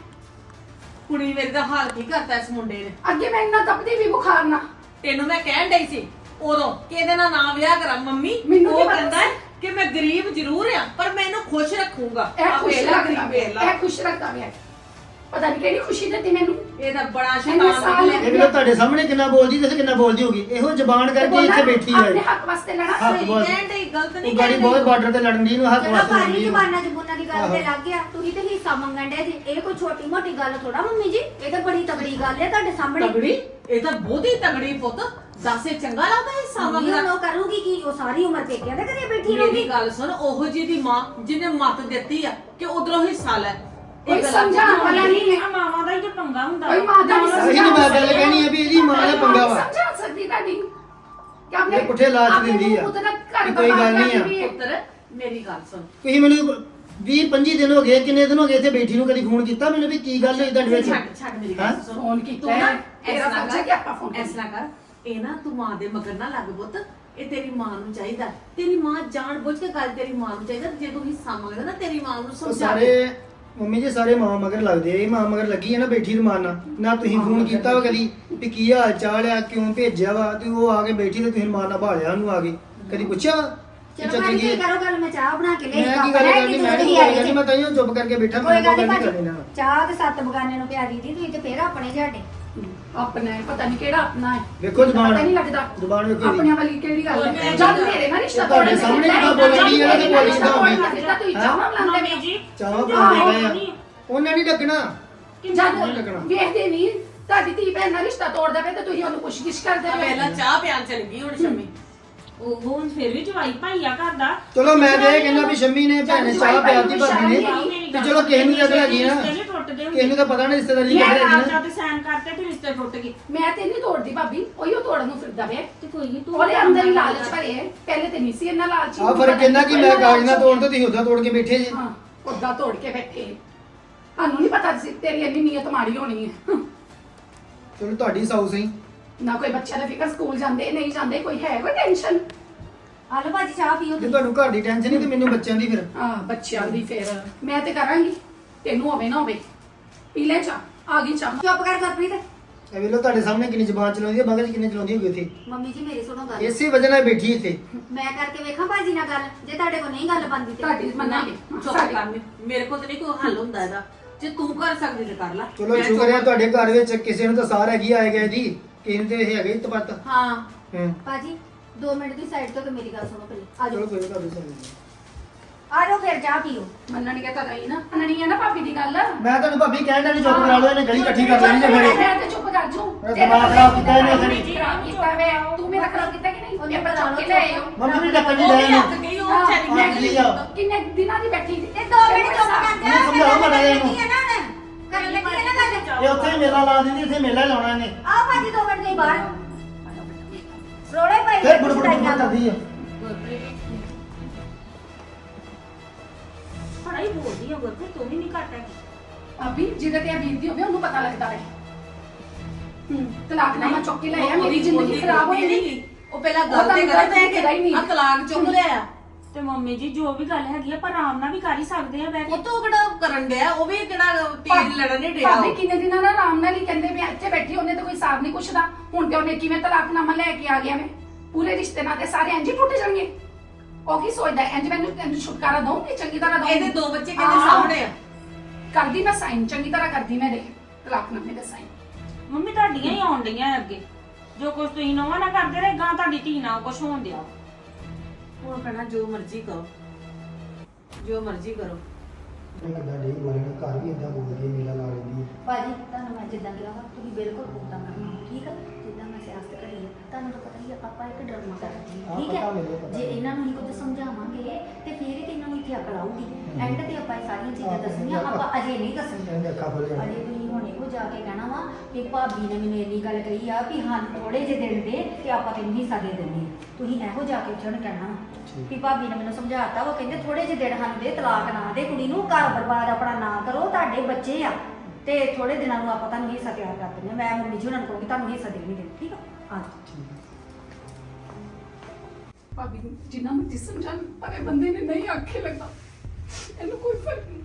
ਕੁੜੀ ਮੇਰੀ ਦਾ ਹਾਲ ਕੀ ਕਰਤਾ ਇਸ ਮੁੰਡੇ ਨੇ।
ਅੱਗੇ ਮੈਂ ਇੰਨਾ ਤਪਦੀ ਵੀ ਬੁਖਾਰ ਨਾ
ਤੈਨੂੰ ਮੈਂ ਕਹਿਣ ਡਈ ਸੀ ਉਦੋਂ ਕਿ ਇਹਦੇ ਨਾਲ ਨਾ ਵਿਆਹ ਕਰਾਂ ਮੰਮੀ।
ਮੈਨੂੰ ਕੀ
ਉਹ
ਪਤਾ
ਕਹਿੰਦਾ
ਸੀ?
ਹੈ ਕਿ ਮੈਂ ਗਰੀਬ ਜ਼ਰੂਰ ਆ ਪਰ ਮੈਂ ਇਹਨੂੰ ਖੁਸ਼ ਰੱਖੂੰਗਾ।
ਇਹ
ਆਹ
ਖੁਸ਼
ਵੇਖ ਲਾ
ਰੱਖਦਾ
ਗਰੀਬ ਵੇਖ ਲਾ।
ਇਹ ਖੁਸ਼ ਰੱਖਦਾ ਪਿਆ ਪਤਾ ਨਹੀਂ ਕਿਹੜੀ ਖੁਸ਼ੀ ਦਿੱਤੀ ਮੈਨੂੰ
ਇਹ ਤਾਂ ਬੜਾ
ਇੰਨੇ
ਸ਼ੈਤਾਨ
ਸਾਲ
ਨਿਕਲਿਆ।
ਇਹ ਵੀ ਤੁਹਾਡੇ ਸਾਹਮਣੇ ਕਿੰਨਾ ਬੋਲਦੀ ਤੇ ਕਿੰਨਾ ਬੋਲਦੀ ਹੋਗੀ ਇਹੋ ਜ਼ਬਾਨ ਕਰਕੇ ਇੱਥੇ ਬੈਠੀ
ਆਪਣੇ
ਆ
ਹੱਕ ਵਾਸਤੇ ਲੜਾ
ਹੱਕ
ਸਹੀ
ਬੋਲ
ਕਹਿਣ ਡਈ ਗਲਤ ਨਹੀਂ
ਉਹ ਗਾੜੀ
ਕਹਿਣ
ਬਹੁਤ
ਡਈ।
ਬਾਰਡਰ ਤੇ ਲੜਨ ਦੀ ਨੂੰ ਹੱਕ
ਚਲੋ
ਵਾਸਤੇ
ਭਾਜੀ
ਲੜਦੀ ਆ।
ਜ਼ਬਾਨਾਂ ਜਬੂਨਾਂ ਦੀ ਗੱਲ ਤੇ
ਆਹੋ।
ਲੱਗ ਗਿਆ। ਤੁਸੀਂ ਤੇ ਹਿੱਸਾ ਮੰਗਣ ਡੇ ਜੀ। ਇਹ ਕੋਈ ਛੋਟੀ ਮੋਟੀ ਗੱਲ ਥੋੜਾ ਮੰਮੀ ਜੀ। ਇਹ ਤਾਂ ਬੜੀ ਤਗੜੀ ਗੱਲ ਹੈ ਤੁਹਾਡੇ ਸਾਹਮਣੇ।
ਤਗੜੀ ਇਹ ਤਾਂ ਬਹੁਤੀ ਤਗੜੀ ਪੁੱਤ ਦੱਸੇ ਚੰਗਾ ਲੱਗਦਾ ਇਹ
ਮੰਮੀ
ਸਾਮਗਰਾ।
ਹੁਣ ਉਹ ਕਰੂਗੀ ਕੀ? ਉਹ ਸਾਰੀ ਉਮਰ ਪੇਕਿਆਂ ਦੇ ਘਰੇ ਬੈਠੀ
ਮੇਰੀ
ਰਹੂਗੀ।
ਗੱਲ ਸੁਣ ਉਹੋ ਜੀ ਦੀ ਮਾਂ ਜਿਹਨੇ ਮੱਤ ਦਿੱਤੀ ਆ ਕਿ ਉਧਰੋਂ ਹਿੱਸਾ ਲੈ। ਇਹ
ਕੋਈ
ਗੱਲਾਂ
ਸਮਝਾਉਣ ਵਾਲਾ ਨਹੀਂ ਹੈ
ਆ ਮਾਵਾਂ ਦਾ ਹੀ ਤਾਂ ਪੰਗਾ ਹੁੰਦਾ
ਕੋਈ ਮਾਂ ਦਾ ਨਹੀਂ
ਉਹੀ ਤਾਂ ਮੈਂ ਗੱਲ ਕਹਿਣੀ ਆ ਵੀ ਇਹਦੀ ਮਾਂ ਦਾ ਪੰਗਾ ਵਾ
ਸਮਝਾ ਸਕਦੀ ਤੁਹਾਡੀ ਕਿ ਆਪਣੇ
ਇਹ ਪੁੱਠੇ ਲਾਚ
ਆਪਣੇ
ਦਿੰਦੀ ਆ।
ਪੁੱਤ ਦਾ ਘਰ
ਵੀ ਕੋਈ ਗੱਲ ਨਹੀਂ ਆ।
ਬਰਬਾਦ ਕਰਦੀ
ਪੁੱਤਰ ਮੇਰੀ ਗੱਲ ਸੁਣ
ਤੁਸੀਂ ਮੈਨੂੰ ਵੀਹ ਪੰਜੀ ਦਿਨ ਹੋ ਗਏ ਕਿੰਨੇ ਦਿਨ ਹੋ ਗਏ ਇੱਥੇ ਬੈਠੀ ਨੂੰ ਕਦੀ ਫੋਨ ਕੀਤਾ ਮੈਨੂੰ ਵੀ ਕੀ ਗੱਲ ਹੋਈ ਤੁਹਾਡੇ ਵਿੱਚ
ਛੱਡ ਛੱਡ ਮੇਰੀ
ਹੈਂ?
ਗੱਲ ਸੁਣ
ਫੋਨ ਕੀਤਾ
ਤੂੰ ਨਾ
ਹੈ। ਤੇਰਾ
ਐਸਾ
ਫਰਜ਼ ਹੈ ਕਿ ਆਪਾਂ ਫੋਨ
ਕਰ ਐਸਾ ਕਰ ਇਹ ਨਾ ਤੂੰ ਮਾਂ ਦੇ ਮਗਰ ਨਾ ਲੱਗ ਪੁੱਤ ਇਹ ਤੇਰੀ ਮਾਂ ਨੂੰ ਚਾਹੀਦਾ ਤੇਰੀ ਮਾਂ ਜਾਣ ਬੁੱਝ ਕੇ ਗੱਲ ਤੇਰੀ ਮਾਂ ਨੂੰ ਚਾਹੀਦਾ ਜੇ ਤੂੰ ਹਿੱਸਾ ਮੰਗਦਾ ਨਾ ਤੇਰੀ ਮਾਂ ਨੂੰ
ਉਹ
ਸਮਝਾ
ਸਾਰੇ
ਦੇ।
ਮੰਮੀ ਜੀ ਸਾਰੇ ਮਾਂ ਮਗਰ ਲੱਗਦੇ ਆ ਇਹ ਮਾਂ ਮਗਰ ਲੱਗੀ ਹੈ ਨਾ ਬੈਠੀ ਰਮਾਨ ਨਾਲ ਨਾ ਤੁਸੀਂ ਫੋਨ ਕੀਤਾ ਵਾ ਕਦੀ ਵੀ ਕੀ ਹਾਲ ਚਾਲ ਆ ਕਿਉਂ ਭੇਜਿਆ ਵਾ ਤੇ ਉਹ ਆ ਕੇ ਬੈਠੀ ਤੇ ਤੁਸੀਂ ਰਮਾਨ ਨਾਲ ਭਾਲਿਆ ਉਹਨੂੰ ਆ ਕੇ ਕਦੀ ਪੁੱਛਿਆ ਵਾ ਕਿ
ਚਲੋ
ਚਾਚੀ
ਭਾਜੀ
ਕੀ
ਕੀ ਕਰੋ ਗੱਲ। ਮੈਂ ਚਾਹ ਬਣਾ ਕੇ ਲਈ।
ਮੈਂ ਕੀ ਗੱਲ ਕਰਨੀ ਮੈਂ ਨਹੀਂ ਗੱਲ ਕਰਨੀ ਮੈਂ ਤਾਂ ਹੀ ਚੁੱਪ ਕਰਕੇ ਬੈਠਾ
ਕੋਈ
ਮੈਂ
ਗੱਲ
ਕੋਈ
ਨਹੀਂ
ਗੱਲ ਨਹੀਂ
ਭਾਜੀ।
ਕਰਨੀ ਨਾ
ਚਾਹ ਤੇ ਸੱਤ ਬਗਾਨੇ ਨੂੰ ਪਿਆਰੀ ਦੀ ਤੁਸੀਂ ਤੇ ਫੇਰ ਆਪਣੇ ਝਾਟੇ।
ਆਪਣਾ ਹੈ ਪਤਾ ਨਹੀਂ ਕਿਹੜਾ ਆਪਣਾ ਹੈ
ਵੇਖੋ ਜ਼ੁਬਾਨ।
ਪਤਾ ਨਹੀਂ ਲੱਗਦਾ
ਜ਼ੁਬਾਨ ਵੇਖੋ ਇਹਦੀ।
ਆਪਣਿਆਂ ਵਾਲੀ ਕਿਹੜੀ ਗੱਲ ਹੈ
ਮੈਂ
ਜਦ ਮੇਰੇ ਨਾਲ ਰਿਸ਼ਤਾ
ਤੁਹਾਡੇ ਸਾਹਮਣੇ ਕਿੱਦਾਂ ਬੋਲਣੀ ਹੈ ਤੇ ਬੋਲੀ ਕਿੱਦਾਂ ਹੋਣੀ?
ਤੁਸੀਂ ਚਾਹਾਂ ਲਾਉਂਦੇ
ਮੰਮੀ ਜੀ
ਚਾਹਾਂ
ਆਹੋ।
ਬੋਲਦੇ ਪਏ ਆ ਉਹਨਾਂ ਨਹੀਂ ਡੱਕਣਾ
ਜਦ
ਲੱਗਣਾ।
ਵੇਖਦੇ ਨਹੀਂ ਤੁਹਾਡੀ ਧੀ ਭੈਣ ਨਾਲ ਰਿਸ਼ਤਾ ਤੋੜਦਾ ਪਿਆ ਤੇ ਤੁਸੀਂ ਉਹਨੂੰ ਪੁੱਛ-ਗਿਛ ਕਰਦੇ
ਆ
ਪਏ
ਪਹਿਲਾਂ ਚਾਹ ਪਿਆਣ ਚਲ ਗਈ ਹੁਣ ਸ਼ਮੀ
ਉਹ ਹੁਣ ਫਿਰ ਵੀ ਜਵਾਈ ਭਾਈਆ ਘਰ ਦਾ
ਚਲੋ ਮੈਂ ਤੇ ਇਹ ਕਹਿੰਦਾ ਵੀ ਸ਼ੰਮੀ ਨੇ ਭੈਣ ਨੇ ਚਾਹ ਪਿਆਤੀ ਭਾਬੀ ਨੇ ਤੇ ਚਲੋ ਕਿਸੇ ਨੂੰ ਜਗ ਲੱਗੀ ਨਾ
ਰਿਸ਼ਤੇ ਨੀ ਟੁੱਟਦੇ ਹੁੰਦੇ।
ਕਿਸੇ ਨੂੰ ਤਾਂ ਪਤਾ ਨਹੀਂ ਰਿਸ਼ਤੇਦਾਰੀ
ਮੈਂ
ਕਿਹੜੇ
ਆਪ
ਹੈਗੀ ਨਾ
ਜਦ ਸੈਨ ਕਰਤੇ ਤੇ ਰਿਸ਼ਤੇ ਟੁੱਟ ਗਏ
ਮੈਂ ਤੇ ਨਹੀਂ ਤੋੜਦੀ ਭਾਬੀ ਉਹੀ ਉਹ ਤੋੜਨ ਨੂੰ ਫਿਰਦਾ ਪਿਆ
ਤੇ ਕੋਈ ਨਹੀਂ ਤੂੰ
ਉਹਦੇ ਅੰਦਰ ਹੀ ਲਾਲਚ ਭਰੇ ਹੈ ਪਹਿਲੇ ਤੇ ਨਹੀਂ ਸੀ ਇੰਨਾ ਲਾਲਚੀ
ਆ ਫਰਕ ਕਿੰਨਾ ਕਿ ਮੈਂ ਕਾਗਜ਼ ਨਾ ਤੋੜ ਤੇ ਤੁਸੀਂ ਉਦਾਂ ਤੋੜ ਕੇ ਬੈਠੇ ਜੇ
ਹਾਂ ਉਦਾਂ ਤੋੜ ਕੇ ਬੈਠੇ ਸਾਨੂੰ ਨਹੀਂ ਪਤਾ ਸੀ ਤੇਰੀ ਇੰਨੀ ਨੀਅਤ ਮਾੜੀ ਹੋਣੀ ਹੈ
ਚਲੋ ਤੁਹਾਡੀ ਸਾਊ ਸਹੀ
ਨਾ ਕੋਈ ਬੱਚਿਆਂ ਦਾ ਫਿਕਰ, ਸਕੂਲ ਜਾਂਦੇ ਨਹੀਂ ਜਾਂਦੇ, ਕੋਈ ਹੈ ਕੋਈ ਟੈਨਸ਼ਨ?
ਆ ਲਓ ਭਾਜੀ ਚਾਹ ਪੀਓ
ਜੇ
ਤੁਸੀਂ।
ਤੁਹਾਨੂੰ ਘਰ ਦੀ ਟੈਨਸ਼ਨ ਨਹੀਂ ਤੇ ਮੈਨੂੰ ਬੱਚਿਆਂ ਦੀ ਫਿਰ।
ਹਾਂ ਬੱਚਿਆਂ ਦੀ ਫੇਰ ਮੈਂ ਤੇ ਕਰਾਂਗੀ, ਤੈਨੂੰ ਹੋਵੇ ਨਾ ਹੋਵੇ। ਪੀ ਲੈ ਚਾਹ, ਆ ਗਈ ਚਾਹ।
ਚੁੱਪ ਕਰ ਗੁਰਪ੍ਰੀਤ।
ਇਹ ਵੇਲੋ ਤੁਹਾਡੇ ਸਾਹਮਣੇ ਕਿੰਨੀ ਜ਼ਬਾਨ ਚਲਾਉਂਦੀ ਹੈ, ਮਗਜ ਕਿੰਨੇ ਚਲਾਉਂਦੀ ਹੋਗੀ ਇੱਥੇ।
ਮੰਮੀ ਜੀ ਮੇਰੀ ਸੁਣੋ ਗੱਲ।
ਇਸੇ ਵਜ੍ਹਾ ਨਾਲ ਬੈਠੀ ਇੱਥੇ।
ਮੈਂ ਕਰਕੇ ਵੇਖਾਂ ਭਾਜੀ ਨਾਲ ਗੱਲ, ਜੇ ਤੁਹਾਡੇ ਕੋਲ ਨਹੀਂ ਗੱਲ ਬਣਦੀ ਤੇ
ਤੁਹਾਡੀ ਮੰਨਾਂਗੇ।
ਚੁੱਪ ਕਰ, ਮੇਰੇ ਕੋਲ ਤੇ ਨਹੀਂ ਕੋਈ ਹੱਲ ਹੁੰਦਾ ਇਹਦਾ। ਜੇ ਤੂੰ ਕਰ ਸਕਦੀ ਤੇ ਕਰ ਲੈ।
ਚਲੋ ਸ਼ੁਕਰ ਹੈ ਤੁਹਾਡੇ ਘਰ ਵਿੱਚ ਕਿਸੇ ਨੂੰ ਤਾਂ ਸਾਰ ਹੈਗੀ ਆਏ ਗਏ ਦੀ, ਕਿਸੇ ਨੂੰ ਤੇ ਇਹ ਹੈਗੇ ਤਪਤ।
ਹਾਂ
ਹੂੰ
ਭਾਜੀ ਦੋ ਮਿੰਟ ਦੀ ਸਾਈਡ ਤੋਂ ਤੇ ਮੇਰੀ ਗੱਲ ਸੁਣੋ ਪਹਿਲੇ। ਆ
ਚਲੋ
ਜਾਓ
ਕੋਈ ਨਹੀਂ ਤੁਹਾਡੇ ਸਾਹਮਣੇ।
ਆ ਜਾਓ ਫਿਰ ਚਾਹ ਪੀਓ।
ਮੰਨਣਗੇ ਤਾਂ ਨਹੀਂ ਨਾ, ਮੰਨਣੀ ਹੈ ਨਾ ਭਾਬੀ ਦੀ ਗੱਲ।
ਮੈਂ ਤੁਹਾਨੂੰ ਭਾਬੀ ਕਹਿਣ ਦਾ ਨਹੀਂ ਚੁੱਪ ਕਰਾ ਲਓ, ਇਹਨੇ ਗਲੀ ਇਕੱਠੀ ਕਰ ਲੈਣੀ ਜੇ ਫਿਰ।
ਮੈਂ ਤੇ ਚੁੱਪ ਕਰ ਜੂ।
ਮੇਰਾ ਦਿਮਾਗ ਖਰਾਬ ਕੀਤਾ ਇਹਨੇ ਫਿਰ।
ਖਰਾਬ ਕੀਤਾ ਵੇ, ਤੂੰ ਮੇਰਾ ਖਰਾਬ ਕੀਤਾ ਕਿ ਨਹੀਂ?
ਉਹਨੇ
ਇਹ ਬੱਚਾ ਕੇ ਲੈ ਆਇਓ।
ਮੰਮੀ ਵੀ ਡੱਕਣ ਨਹੀਂ
ਉਹ
ਲੈ
ਵੀ
ਇਹਨੂੰ।
ਲੱਗ ਗਈ, ਉਹ
ਹਾਂ,
ਵਿਚਾਰੀ
ਮੈਂ
ਲੱਗ ਗਈ।
ਆ।
ਕਿੰਨੇ ਦਿਨਾਂ ਦੀ ਬੈਠੀ ਸੀ
ਤੇ ਦੋ ਮਿੰਟ ਚੁੱਪ ਕਰ ਜਾ।
ਨਹੀਂ ਸਮਝਾਓ ਮਾੜਾ ਜਿਹਾ ਇਹਨੂੰ।
ਕਰਨ ਲੱਗੀ ਹੈ ਨਾ ਹੁਣ। ਕਰਨ ਲੱਗੀ ਹੈ ਨਾ ਗੱਲ।
ਇਹ ਉੱਥੇ ਹੀ ਮੇਲਾ ਲਾ ਦਿੰਦੀ, ਇੱਥੇ ਮੇਲਾ ਹੀ ਲਾਉਣਾ ਇਹਨੇ।
ਆ ਭਾਜੀ ਦੋ ਮਿੰਟ ਲਈ ਬਾਹਰ ਰੋਲੇ ਪਈ
ਫਿਰ ਬੁੜ ਬੁੜ ਬੁੜ ਕਰਦੀ ਆ।
ਬੜਾ ਹੀ ਬੋਲਦੀ ਆ ਗੁਰਪ੍ਰੀਤ, ਤੂੰ ਵੀ ਨਹੀਂ ਘੱਟ ਹੈਗੀ।
ਅਭੀ ਜਿਹਦੇ ਤੇ ਬੀਤਦੀ ਹੋਵੇ ਉਹਨੂੰ ਪਤਾ ਲੱਗਦਾ ਹੈ। ਹੂੰ ਤਲਾਕਨਾਮਾ ਚੁੱਕ ਕੇ ਲੈ ਆਇਆ, ਮੇਰੀ ਜ਼ਿੰਦਗੀ ਖਰਾਬ ਹੋਈ ਨਹੀਂ।
ਉਹ ਪਹਿਲਾਂ
ਉਹ
ਗੱਲ
ਤਾਂ
ਤੇ
ਗੱਲ
ਕਰਦਾ
ਤੇ ਕਰਾ ਹੀ ਨਹੀਂ।
ਆ ਤਲਾਕ ਚੁੱਕ ਲਿਆ।
ਤੇ ਮੰਮੀ ਜੀ ਜੋ ਵੀ ਗੱਲ ਹੈਗੀ ਆ ਪਰ ਆਰਾਮ ਨਾਲ ਵੀ ਕਰ ਹੀ ਸਕਦੇ ਆ ਬਹਿ ਕੇ।
ਉਹ ਤੋਂ ਕਿਹੜਾ ਕਰਨ ਡਿਆ, ਉਹ ਵੀ ਕਿਹੜਾ ਤੀਰ ਲੜਨ ਨਹੀਂ ਡਿਆ।
ਭਾਬੀ ਕਿੰਨੇ ਦਿਨਾਂ ਨਾਲ ਆਰਾਮ ਨਾਲ ਹੀ ਕਹਿੰਦੇ ਵੀ ਇੱਥੇ ਬੈਠੀ, ਉਹਨੇ ਤਾਂ ਕੋਈ ਸਾਥ ਨਹੀਂ ਪੁੱਛਦਾ। ਹੁਣ ਤੇ ਉਹਨੇ ਕਿਵੇਂ ਤਲਾਕਨਾਮਾ ਲੈ ਕੇ ਆ ਗਿਆ ਮੈਂ? ਪੂਰੇ ਰਿਸ਼ਤੇ ਨਾਤੇ ਸਾਰੇ ਇੰਜ ਹੀ ਟੁੱਟ ਜਾਣਗੇ। ਉਹ ਕੀ ਸੋਚਦਾ ਇੰਜ ਮੈਨੂੰ ਤੈਨੂੰ ਛੁਟਕਾਰਾ ਦਊਂਗੀ ਚੰਗੀ ਤਰ੍ਹਾਂ ਦਊਂਗੀ।
ਇਹਦੇ ਦੋ ਬੱਚੇ ਕਿਹਦੇ ਸਾਹਮਣੇ ਆ।
ਕਰਦੀ ਮੈਂ ਸਾਈਨ, ਚੰਗੀ ਤਰ੍ਹਾਂ ਕਰਦੀ ਮੈਂ ਦੇ ਤਲਾਕਨਾਮੇ ਦਾ ਸਾਈਨ।
ਮੰਮੀ ਤੁਹਾਡੀਆਂ ਹੀ ਆਉਣ ਡਈਆਂ ਅੱਗੇ, ਜੋ ਕੁਝ ਤੁਸੀਂ ਨਵਾਂ ਨਾ ਕਰਦੇ ਰਹੇ ਗਾਂ ਤੁਹਾਡੀ ਧੀ ਨਾਲ ਕੁਝ ਹੋਣ ਦਿਆ।
ਹੁਣ ਕਹਿਣਾ ਜੋ ਮਰਜ਼ੀ ਕਰੋ, ਜੋ ਮਰਜ਼ੀ ਕਰੋ।
ਇਹ ਕਿੱਦਾਂ ਡੇ ਬੋਲਣਾ, ਘਰ ਵੀ ਇਦਾਂ ਬੋਲਦੀ ਹੈ, ਮੇਲਾ ਲਾ ਲੈਂਦੀ ਹੈ।
ਭਾਜੀ ਤੁਹਾਨੂੰ ਮੈਂ ਜਿੱਦਾਂ ਕਿਹਾ ਵਾ ਤੁਸੀਂ ਬਿਲਕੁਲ ਉਦਾਂ ਕਰਨਾ, ਠੀਕ ਹੈ? ਜਿੱਦਾਂ ਮੈਂ ਸਿਆਸਤ ਕਰੀ ਹੈ ਤੁਹਾਨੂੰ ਤਾਂ ਪਤਾ ਹੀ ਆ, ਆਪਾਂ ਇੱਕ ਡਰਾਮਾ ਕਰਦੇ ਹਾਂ,
ਹਾਂ,
ਠੀਕ
ਪਤਾ
ਹੈ?
ਮੈਨੂੰ, ਪਤਾ
ਜੇ
ਮੈਨੂੰ।
ਇਹਨਾਂ ਨੂੰ ਹੀ ਕੁਝ ਸਮਝਾਵਾਂਗੇ ਤੇ ਫਿਰ ਹੀ ਤੇ ਇਹਨਾਂ ਨੂੰ ਇੱਥੇ ਅਕਲ ਆਊਗੀ। ਐਂਡ ਤੇ ਆਪਾਂ ਇਹ ਸਾਰੀਆਂ ਚੀਜ਼ਾਂ
ਹਾਂ,
ਦੱਸਣੀਆਂ, ਆਪਾਂ ਅਜੇ ਨਹੀਂ ਦੱਸਣੀਆਂ।
ਇਹਨੇ ਅੱਖਾਂ ਖੋਲ ਜਾਣੀਆਂ।
ਅਜੇ ਤੁਸੀਂ ਹੁਣ ਇਹੋ ਜਾ ਕੇ ਕਹਿਣਾ ਵਾ ਕਿ ਭਾਬੀ ਨੇ ਮੈਨੂੰ ਇੰਨੀ ਗੱਲ ਕਹੀ ਆ ਵੀ ਹਾਂ ਥੋੜੇ ਜਿਹੇ ਦਿਨ ਦੇ ਤੇ ਆਪਾਂ ਤੈਨੂੰ ਹਿੱਸਾ ਦੇ ਦਿੰਦੇ ਹਾਂ। ਤੁਸੀਂ ਇਹੋ ਜਾ ਕੇ ਉੱਥੇ ਕਹਿਣਾ ਵਾ ਵੀ ਭਾਬੀ ਨੇ ਮੈਨੂੰ ਸਮਝਾਤਾ, ਉਹ ਕਹਿੰਦੇ ਥੋੜੇ ਜਿਹੇ ਦਿਨ ਹਨ ਦੇ, ਤਲਾਕ ਨਾ ਦੇ ਕੁੜੀ ਨੂੰ, ਘਰ ਬਰਬਾਦ ਆਪਣਾ ਨਾ ਕਰੋ, ਤੁਹਾਡੇ ਬੱਚੇ ਆ ਤੇ ਥੋੜੇ ਦਿਨਾਂ ਨੂੰ ਆਪਾਂ ਤੁਹਾਨੂੰ ਹਿੱਸਾ ਤਿਆਰ ਕਰ ਦਿੰਦੇ ਹਾਂ। ਮੈਂ ਮੰਮੀ ਜੀ ਉਹਨਾਂ ਨੂੰ ਕਹੂੰਗੀ ਤੁਹਾਨੂੰ ਹਿੱਸਾ ਦੇਣੀ ਦੇ, ਠੀਕ ਆ? ਆ ਜਾਓ।
ਭਾਬੀ ਨੂੰ ਜਿੰਨਾ ਮਰਜ਼ੀ ਸਮਝਾਣ ਪਰ ਇਹ ਬੰਦੇ ਨੇ ਨਹੀਂ ਆਖੇ ਲੱਗਾ, ਇਹਨੂੰ ਕੋਈ ਫਰਕ ਨਹੀਂ।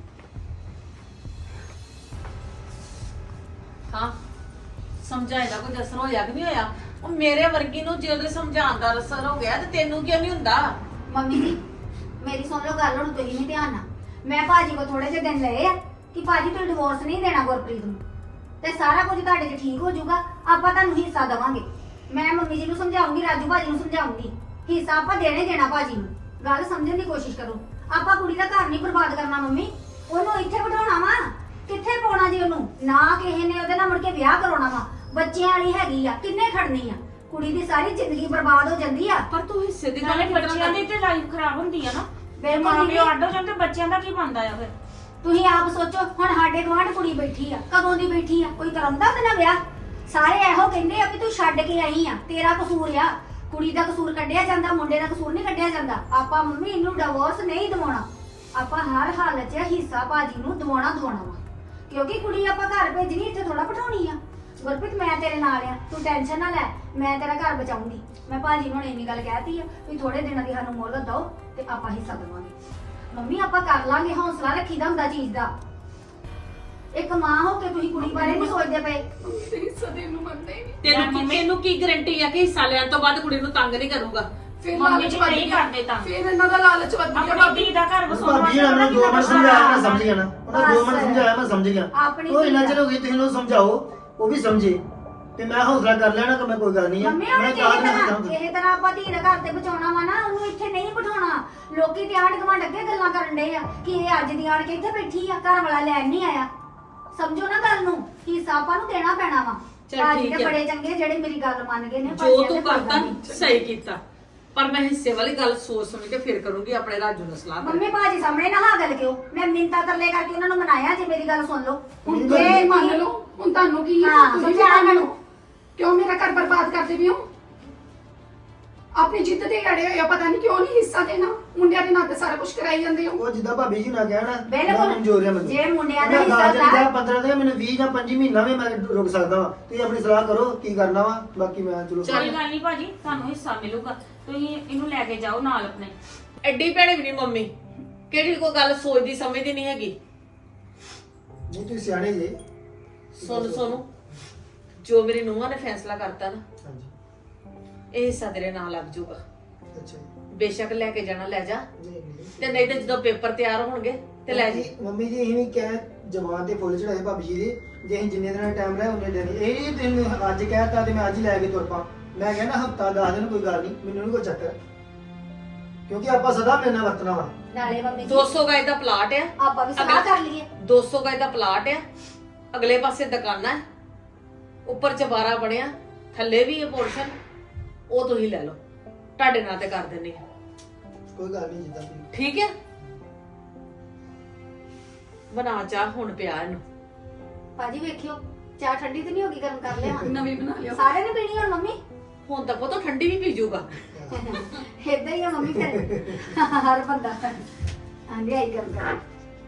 ਹਾਂ ਸਮਝਾਏਗਾ ਕੋਈ ਅਸਰ ਹੋਇਆ ਕਿ ਨਹੀਂ ਹੋਇਆ? ਉਹ ਮੇਰੇ ਵਰਗੀ ਨੂੰ ਜੇ ਉਹਦੇ ਸਮਝਾਉਣ ਦਾ ਅਸਰ ਹੋ ਗਿਆ ਤੇ ਤੈਨੂੰ ਕਿਉਂ ਨਹੀਂ ਹੁੰਦਾ?
ਮੰਮੀ ਜੀ ਮੇਰੀ ਸੁਣ ਲਓ ਗੱਲ, ਹੁਣ ਤੁਸੀਂ ਨਹੀਂ ਧਿਆਨ ਨਾਲ। ਮੈਂ ਭਾਜੀ ਕੋ ਥੋੜੇ ਜਿਹੇ ਦਿਨ ਲਏ ਆ ਕਿ ਭਾਜੀ ਤੁਸੀਂ ਡਿਵੋਰਸ ਨਹੀਂ ਦੇਣਾ ਗੁਰਪ੍ਰੀਤ ਨੂੰ ਤੇ ਸਾਰਾ ਕੁਝ ਤੁਹਾਡੇ 'ਚ ਠੀਕ ਹੋ ਜਾਊਗਾ, ਆਪਾਂ ਤੁਹਾਨੂੰ ਹਿੱਸਾ ਦੇਵਾਂਗੇ। ਮੈਂ ਮੰਮੀ ਜੀ ਨੂੰ ਸਮਝਾਉਂਗੀ, ਰਾਜੂ ਭਾਜੀ ਨੂੰ ਸਮਝਾਉਂਗੀ, ਹਿੱਸਾ ਆਪਾਂ ਦੇਣੇ ਦੇਣਾ ਭਾਜੀ ਨੂੰ। ਗੱਲ ਸਮਝਣ ਦੀ ਕੋਸ਼ਿਸ਼ ਕਰੋ। ਆਪਾਂ ਕੁੜੀ ਦਾ ਘਰ ਨਹੀਂ ਬਰਬਾਦ ਕਰਨਾ ਮੰਮੀ, ਉਹਨੂੰ ਇੱਥੇ ਬਿਠਾਉਣਾ ਵਾ। ਕਿੱਥੇ ਪਾਉਣਾ ਜੀ ਉਹਨੂੰ? ਨਾ ਕਿਸੇ ਨੇ ਉਹਦੇ ਨਾਲ ਮੁੜ ਕੇ ਵਿਆਹ ਕਰਾਉਣਾ ਵਾ। ਬੱਚਿਆਂ ਵਾਲੀ ਹੈਗੀ ਆ, ਕਿੰਨੇ ਖੜਨੀ ਆ? ਕੁੜੀ ਦੀ ਸਾਰੀ ਜ਼ਿੰਦਗੀ ਬਰਬਾਦ ਹੋ ਜਾਂਦੀ ਆ।
ਪਰ ਤੂੰ ਹਿੱਸੇ ਦੀ ਗੱਲ
ਨਾਲੇ
ਕਿੱਦਾਂ
ਬੱਚਿਆਂ ਦੀ
ਕਰਦੀ?
ਤੇ ਲਾਈਫ ਖਰਾਬ ਹੁੰਦੀ ਆ ਨਾ।
ਬਿਲਕੁਲ
ਮਾਂ
ਦੀਦੀ।
ਪਿਓ ਅੱਡ ਹੋ ਜਾਂਦੇ, ਬੱਚਿਆਂ ਦਾ ਕੀ ਬਣਦਾ ਆ ਫਿਰ?
ਤੁਸੀਂ ਆਪ ਸੋਚੋ, ਹੁਣ ਸਾਡੇ ਗਵਾਂਢ ਕੁੜੀ ਬੈਠੀ ਆ, ਕਦੋਂ ਦੀ ਬੈਠੀ ਆ? ਕੋਈ ਕਰਾਉਂਦਾ ਉਹਦੇ ਨਾਲ ਵਿਆਹ? ਸਾਰੇ ਇਹੋ ਕਹਿੰਦੇ ਆ ਵੀ ਤੂੰ ਛੱਡ ਕੇ ਆਈ ਆ, ਤੇਰਾ ਕਸੂਰ ਆ। ਕੁੜੀ ਦਾ ਕਸੂਰ ਕੱਢਿਆ ਜਾਂਦਾ, ਮੁੰਡੇ ਦਾ ਕਸੂਰ ਨਹੀਂ ਕੱਢਿਆ ਜਾਂਦਾ। ਆਪਾਂ ਮੰਮੀ ਇਹਨੂੰ ਡਿਵੋਰਸ ਨਹੀਂ ਦਿਵਾਉਣਾ, ਆਪਾਂ ਹਰ ਹਾਲਤ 'ਚ ਹਿੱਸਾ ਭਾਜੀ ਨੂੰ ਦਿਵਾਉਣਾ ਦਿਵਾਉਣਾ ਵਾ। ਕਿਉਂਕਿ ਕੁੜੀ ਆਪਾਂ ਘਰ ਭੇਜਣੀ, ਇੱਥੇ ਥੋੜਾ ਬਿਠਾਉਣੀ ਆ। ਗੁਰਪ੍ਰੀਤ ਮੈਂ ਤੇਰੇ ਨਾਲ ਆ, ਤੂੰ ਟੈਨਸ਼ਨ ਨਾ ਲੈ, ਮੈਂ ਤੇਰਾ ਘਰ ਬਚਾਉਂਗੀ। ਮੈਂ ਭਾਜੀ ਨੂੰ ਹੁਣ ਇੰਨੀ ਗੱਲ ਕਹਿਤੀ ਆ ਵੀ ਥੋੜੇ ਦਿਨਾਂ ਦੀ ਸਾਨੂੰ ਮੋਹਲਤ ਦਿਓ ਤੇ ਆਪਾਂ ਹਿੱਸਾ ਦੇਵਾਂਗੇ। ਮੰਮੀ ਆਪਾਂ ਕਰ ਲਾਂਗੇ, ਹੌਸਲਾ ਰੱਖੀਦਾ ਹੁੰਦਾ ਚੀਜ਼ ਦਾ। ਇੱਕ ਮਾਂ ਹੋ ਕੇ ਤੁਸੀਂ ਕੁੜੀ ਬਾਰੇ ਨਹੀਂ ਸੋਚਦੇ ਪਏ।
ਮੰਮੀ ਤੇ ਹਿੱਸਾ ਦੇਣ ਨੂੰ ਮੰਨਦੇ ਹੀ ਨਹੀਂ।
ਤੈਨੂੰ ਕੀ ਤੈਨੂੰ ਕੀ ਗਾਰੰਟੀ ਆ ਕਿ ਹਿੱਸਾ ਲੈਣ ਤੋਂ ਬਾਅਦ ਕੁੜੀ ਨੂੰ ਤੰਗ ਨਹੀਂ ਕਰੂਗਾ?
ਫਿਰ
ਮੰਮੀ
ਲਾਲਚ
ਜੀ
ਵੱਧ
ਨਹੀਂ
ਗਿਆ।
ਕਰਦੇ ਤਾਂ।
ਫਿਰ ਇਹਨਾਂ ਦਾ ਲਾਲਚ ਵੱਧ ਗਿਆ
ਆਪਣੀ
ਭਾਬੀ।
ਧੀ ਦਾ ਘਰ ਵਸਾਉਣ
ਭਾਬੀ
ਵਾਸਤੇ
ਨੇ
ਪਤਾ
ਮੈਨੂੰ ਦੋ ਮਿੰਟ
ਕਿੰਨਾ
ਸਮਝਾਇਆ, ਮੈਂ ਸਮਝ ਗਿਆ ਨਾ। ਉਹਨਾਂ ਦੋ ਮਿੰਟ
ਬਸ।
ਸਮਝਾਇਆ, ਮੈਂ ਸਮਝ ਗਿਆ।
ਆਪਣੀ
ਉਹ ਇੰਨਾ
ਧੀ
ਚਿਰ ਹੋ ਗਈ, ਤੁਸੀਂ ਉਹਨੂੰ ਸਮਝਾਓ, ਉਹ ਵੀ ਸਮਝੇ ਤੇ ਮੈਂ ਹੌਸਲਾ ਕਰ ਲੈਣਾ ਕਿ ਮੈਂ ਕੋਈ ਗੱਲ ਨਹੀਂ ਹੈ।
ਮੰਮੀ ਉਹਨੇ
ਮੈਂ
ਕਿਸੇ
ਕਾਹਦ ਨਹੀਂ
ਤਰ੍ਹਾਂ
ਸਮਝਾਉਂਦਾ।
ਕਿਸੇ ਤਰ੍ਹਾਂ ਆਪਾਂ ਧੀ ਦਾ ਘਰ ਤੇ ਬਚਾਉਣਾ ਵਾ ਨਾ, ਉਹਨੂੰ ਇੱਥੇ ਨਹੀਂ ਬਿਠਾਉਣਾ। ਲੋਕੀ ਤੇ ਆਂਢ ਗੁਆਂਢ ਅੱਗੇ ਗੱਲਾਂ ਕਰਨ ਡਏ ਆ ਕਿ ਇਹ ਅੱਜ ਦੀ ਆਣ ਕੇ ਇੱਥੇ ਬੈਠੀ ਆ, ਘਰ ਵਾਲਾ ਲੈਣ ਨਹੀਂ ਆਇਆ। ਸਮਝੋ ਨਾ ਗੱਲ ਨੂੰ, ਹਿੱਸਾ ਆਪਾਂ ਨੂੰ ਦੇਣਾ ਪੈਣਾ ਵਾ।
ਚੱਲ
ਭਾਜੀ
ਠੀਕ
ਤੇ
ਆ।
ਬੜੇ ਚੰਗੇ ਜਿਹੜੇ ਮੇਰੀ ਗੱਲ ਮੰਨ ਗਏ ਨੇ।
ਜੋ
ਭਾਜੀ
ਤੂੰ
ਕਹਿੰਦੇ ਕੋਈ
ਕਰਤਾ
ਗੱਲ ਨਹੀਂ।
ਸਹੀ ਕੀਤਾ, ਪਰ ਮੈਂ ਹਿੱਸੇ ਵਾਲੀ ਗੱਲ ਸੋਚ ਸਮਝ ਕੇ ਫਿਰ ਕਰੂੰਗੀ ਆਪਣੇ ਰਾਜੂ ਨਾਲ ਸਲਾਹ ਕਰਕੇ।
ਮੰਮੀ ਭਾਜੀ ਸਾਹਮਣੇ ਨਾ ਹਾਂ ਗੱਲ ਕਿਉਂ? ਮੈਂ ਮਿੰਤਾ ਤਰਲੇ ਕਰਕੇ ਉਹਨਾਂ ਨੂੰ ਮਨਾਇਆ, ਜੇ ਮੇਰੀ ਗੱਲ ਸੁਣ ਲਓ।
ਹੁਣ
ਜੇ
ਜੇ ਮੰਨ
ਤੁਸੀਂ-
ਲਓ, ਹੁਣ ਤੁਹਾਨੂੰ ਕੀ ਹੈ?
ਹਾਂ,
ਤੁਸੀਂ
ਸਮਝਾਇਆ
ਮੰਨ
ਮੈਨੂੰ।
ਲਓ। ਕਿਉਂ ਮੇਰਾ ਘਰ ਬਰਬਾਦ ਕਰਦੇ ਵੀ ਹੋ? ਆਪਣੀ ਜਿੱਦ ਤੇ ਅੜੇ ਹੋਏ ਆ, ਪਤਾ ਨਹੀਂ ਕਿਉਂ ਨਹੀਂ ਹਿੱਸਾ ਦੇਣਾ। ਮੁੰਡਿਆਂ ਦੇ ਨਾਂ ਤੇ ਸਾਰਾ ਕੁਝ ਕਰਾਈ ਜਾਂਦੇ ਹੋ।
ਉਹ ਜਿੱਦਾਂ ਭਾਬੀ ਜੀ ਨਾ ਕਹਿਣਾ
ਬਿਲਕੁਲ।
ਮਨਜ਼ੂਰ ਹੈ ਮੈਨੂੰ।
ਜੇ ਮੁੰਡਿਆਂ ਦਾ
ਮੈਂ
ਹਿੱਸਾ
ਦਸ ਦਿਨ
ਦਾ-
ਪੰਦਰਾਂ ਦਿਨ ਮੈਨੂੰ ਵੀਹ ਜਾਂ ਪੰਜੀ ਮਹੀਨਾ ਵੀ ਮੈਂ ਰੁਕ ਸਕਦਾ ਵਾਂ। ਤੁਸੀਂ ਆਪਣੀ ਸਲਾਹ ਕਰੋ ਕੀ ਕਰਨਾ ਵਾ, ਬਾਕੀ ਮੈਂ ਚਲੋ
ਕੋਈ ਗੱਲ ਨਹੀਂ ਭਾਜੀ, ਤੁਹਾਨੂੰ ਹਿੱਸਾ ਮਿਲੂਗਾ। ਤੁਸੀਂ ਇਹਨੂੰ ਲੈ ਕੇ ਜਾਓ ਨਾਲ ਆਪਣੇ।
ਐਡੀ ਭੈੜੀ ਵੀ ਨਹੀਂ ਮੰਮੀ, ਕਿਹੜੀ ਕੋਈ ਗੱਲ ਸੋਚਦੀ ਸਮਝਦੀ ਨਹੀਂ ਹੈਗੀ।
ਨਹੀਂ ਤੁਸੀਂ ਸਿਆਣੇ ਜੇ।
ਸੁਣ ਸੋਨੂੰ, ਜੋ ਮੇਰੀ ਨੂੰਹਾਂ ਨੇ ਫੈਸਲਾ ਕਰਤਾ ਨਾ,
ਹਾਂਜੀ
ਇਹ ਹਿੱਸਾ ਤੇਰੇ ਨਾਲ ਲੱਗ ਜਾਊਗਾ।
ਅੱਛਾ ਜੀ।
ਬੇਸ਼ੱਕ ਲੈ ਕੇ ਜਾਣਾ ਲੈ ਜਾ,
ਨਹੀਂ ਨਹੀਂ
ਤੇ ਨਹੀਂ ਤੇ ਜਦੋਂ ਪੇਪਰ ਤਿਆਰ ਹੋਣਗੇ ਤੇ ਲੈ ਜੀ।
ਮੰਮੀ ਜੀ ਇਹ ਵੀ ਕਹਿ ਜਵਾਨ ਤੇ ਫੁੱਲ ਚੜਾਏ ਭਾਬੀ ਜੀ ਦੇ, ਜੇ ਅਸੀਂ ਜਿੰਨੇ ਦਿਨਾਂ ਟਾਈਮ ਲਿਆ ਉਹਨੇ ਦਿਨ ਇਹ ਨਹੀਂ ਤੈਨੂੰ ਅੱਜ ਕਹਿਤਾ ਤੇ ਮੈਂ ਅੱਜ ਹੀ ਲੈ ਕੇ ਤੁਰ ਪਾ। ਮੈਂ ਕਹਿੰਦਾ ਹਫਤਾ ਦਸ ਦਿਨ ਕੋਈ ਗੱਲ ਨਹੀਂ, ਮੈਨੂੰ ਨਹੀਂ ਕੋਈ ਚੱਕਰ, ਕਿਉਂਕਿ ਆਪਾਂ ਸਦਾ ਮੇਰੇ ਨਾਲ ਵਰਤਣਾ ਵਾ।
ਨਾਲੇ ਮੰਮੀ ਜੀ
ਦੋ ਸੌ ਗਜ ਦਾ ਪਲਾਟ ਆ,
ਆਪਾਂ ਵੀ ਸਲਾਹ ਕਰ ਲਈਏ।
ਦੋ ਸੌ ਗਜ ਦਾ ਪਲਾਟ ਆ, ਅਗਲੇ ਪਾਸੇ ਦੁਕਾਨਾਂ ਹੈ, ਉੱਪਰ ਚਬਾਰਾ ਬਣਿਆ, ਥੱਲੇ ਵੀ ਇਹ ਪੋਰਸ਼ਨ, ਉਹ ਤੁਸੀਂ ਲੈ ਲਓ, ਤੁਹਾਡੇ ਨਾਂ ਤੇ ਕਰ ਦਿੰਨੀ ਆ।
ਕੋਈ ਗੱਲ ਨਹੀਂ ਜਿੱਦਾਂ ਤੁਸੀਂ
ਠੀਕ ਹੈ, ਬਣਾ ਚਾਹ ਹੁਣ ਪਿਆ ਇਹਨੂੰ।
ਭਾਜੀ ਵੇਖਿਓ ਚਾਹ ਠੰਡੀ ਤੇ ਨਹੀਂ ਹੋ ਗਈ, ਗਰਮ ਕਰ ਲਿਆ।
ਨਵੀਂ ਬਣਾ ਲਿਓ।
ਸਾਰੇ ਨੇ ਪੀਣੀ ਹੁਣ ਮੰਮੀ।
ਹੁਣ ਤਾਂ ਪਤਾ ਠੰਡੀ ਵੀ ਪੀ ਜਾਊਗਾ।
ਏਦਾਂ ਹੀ ਆ ਮੰਮੀ ਫਿਰ ਹਰ ਬੰਦਾ ਆਂਦੇ ਆਈ ਗਰਮ ਕਰ।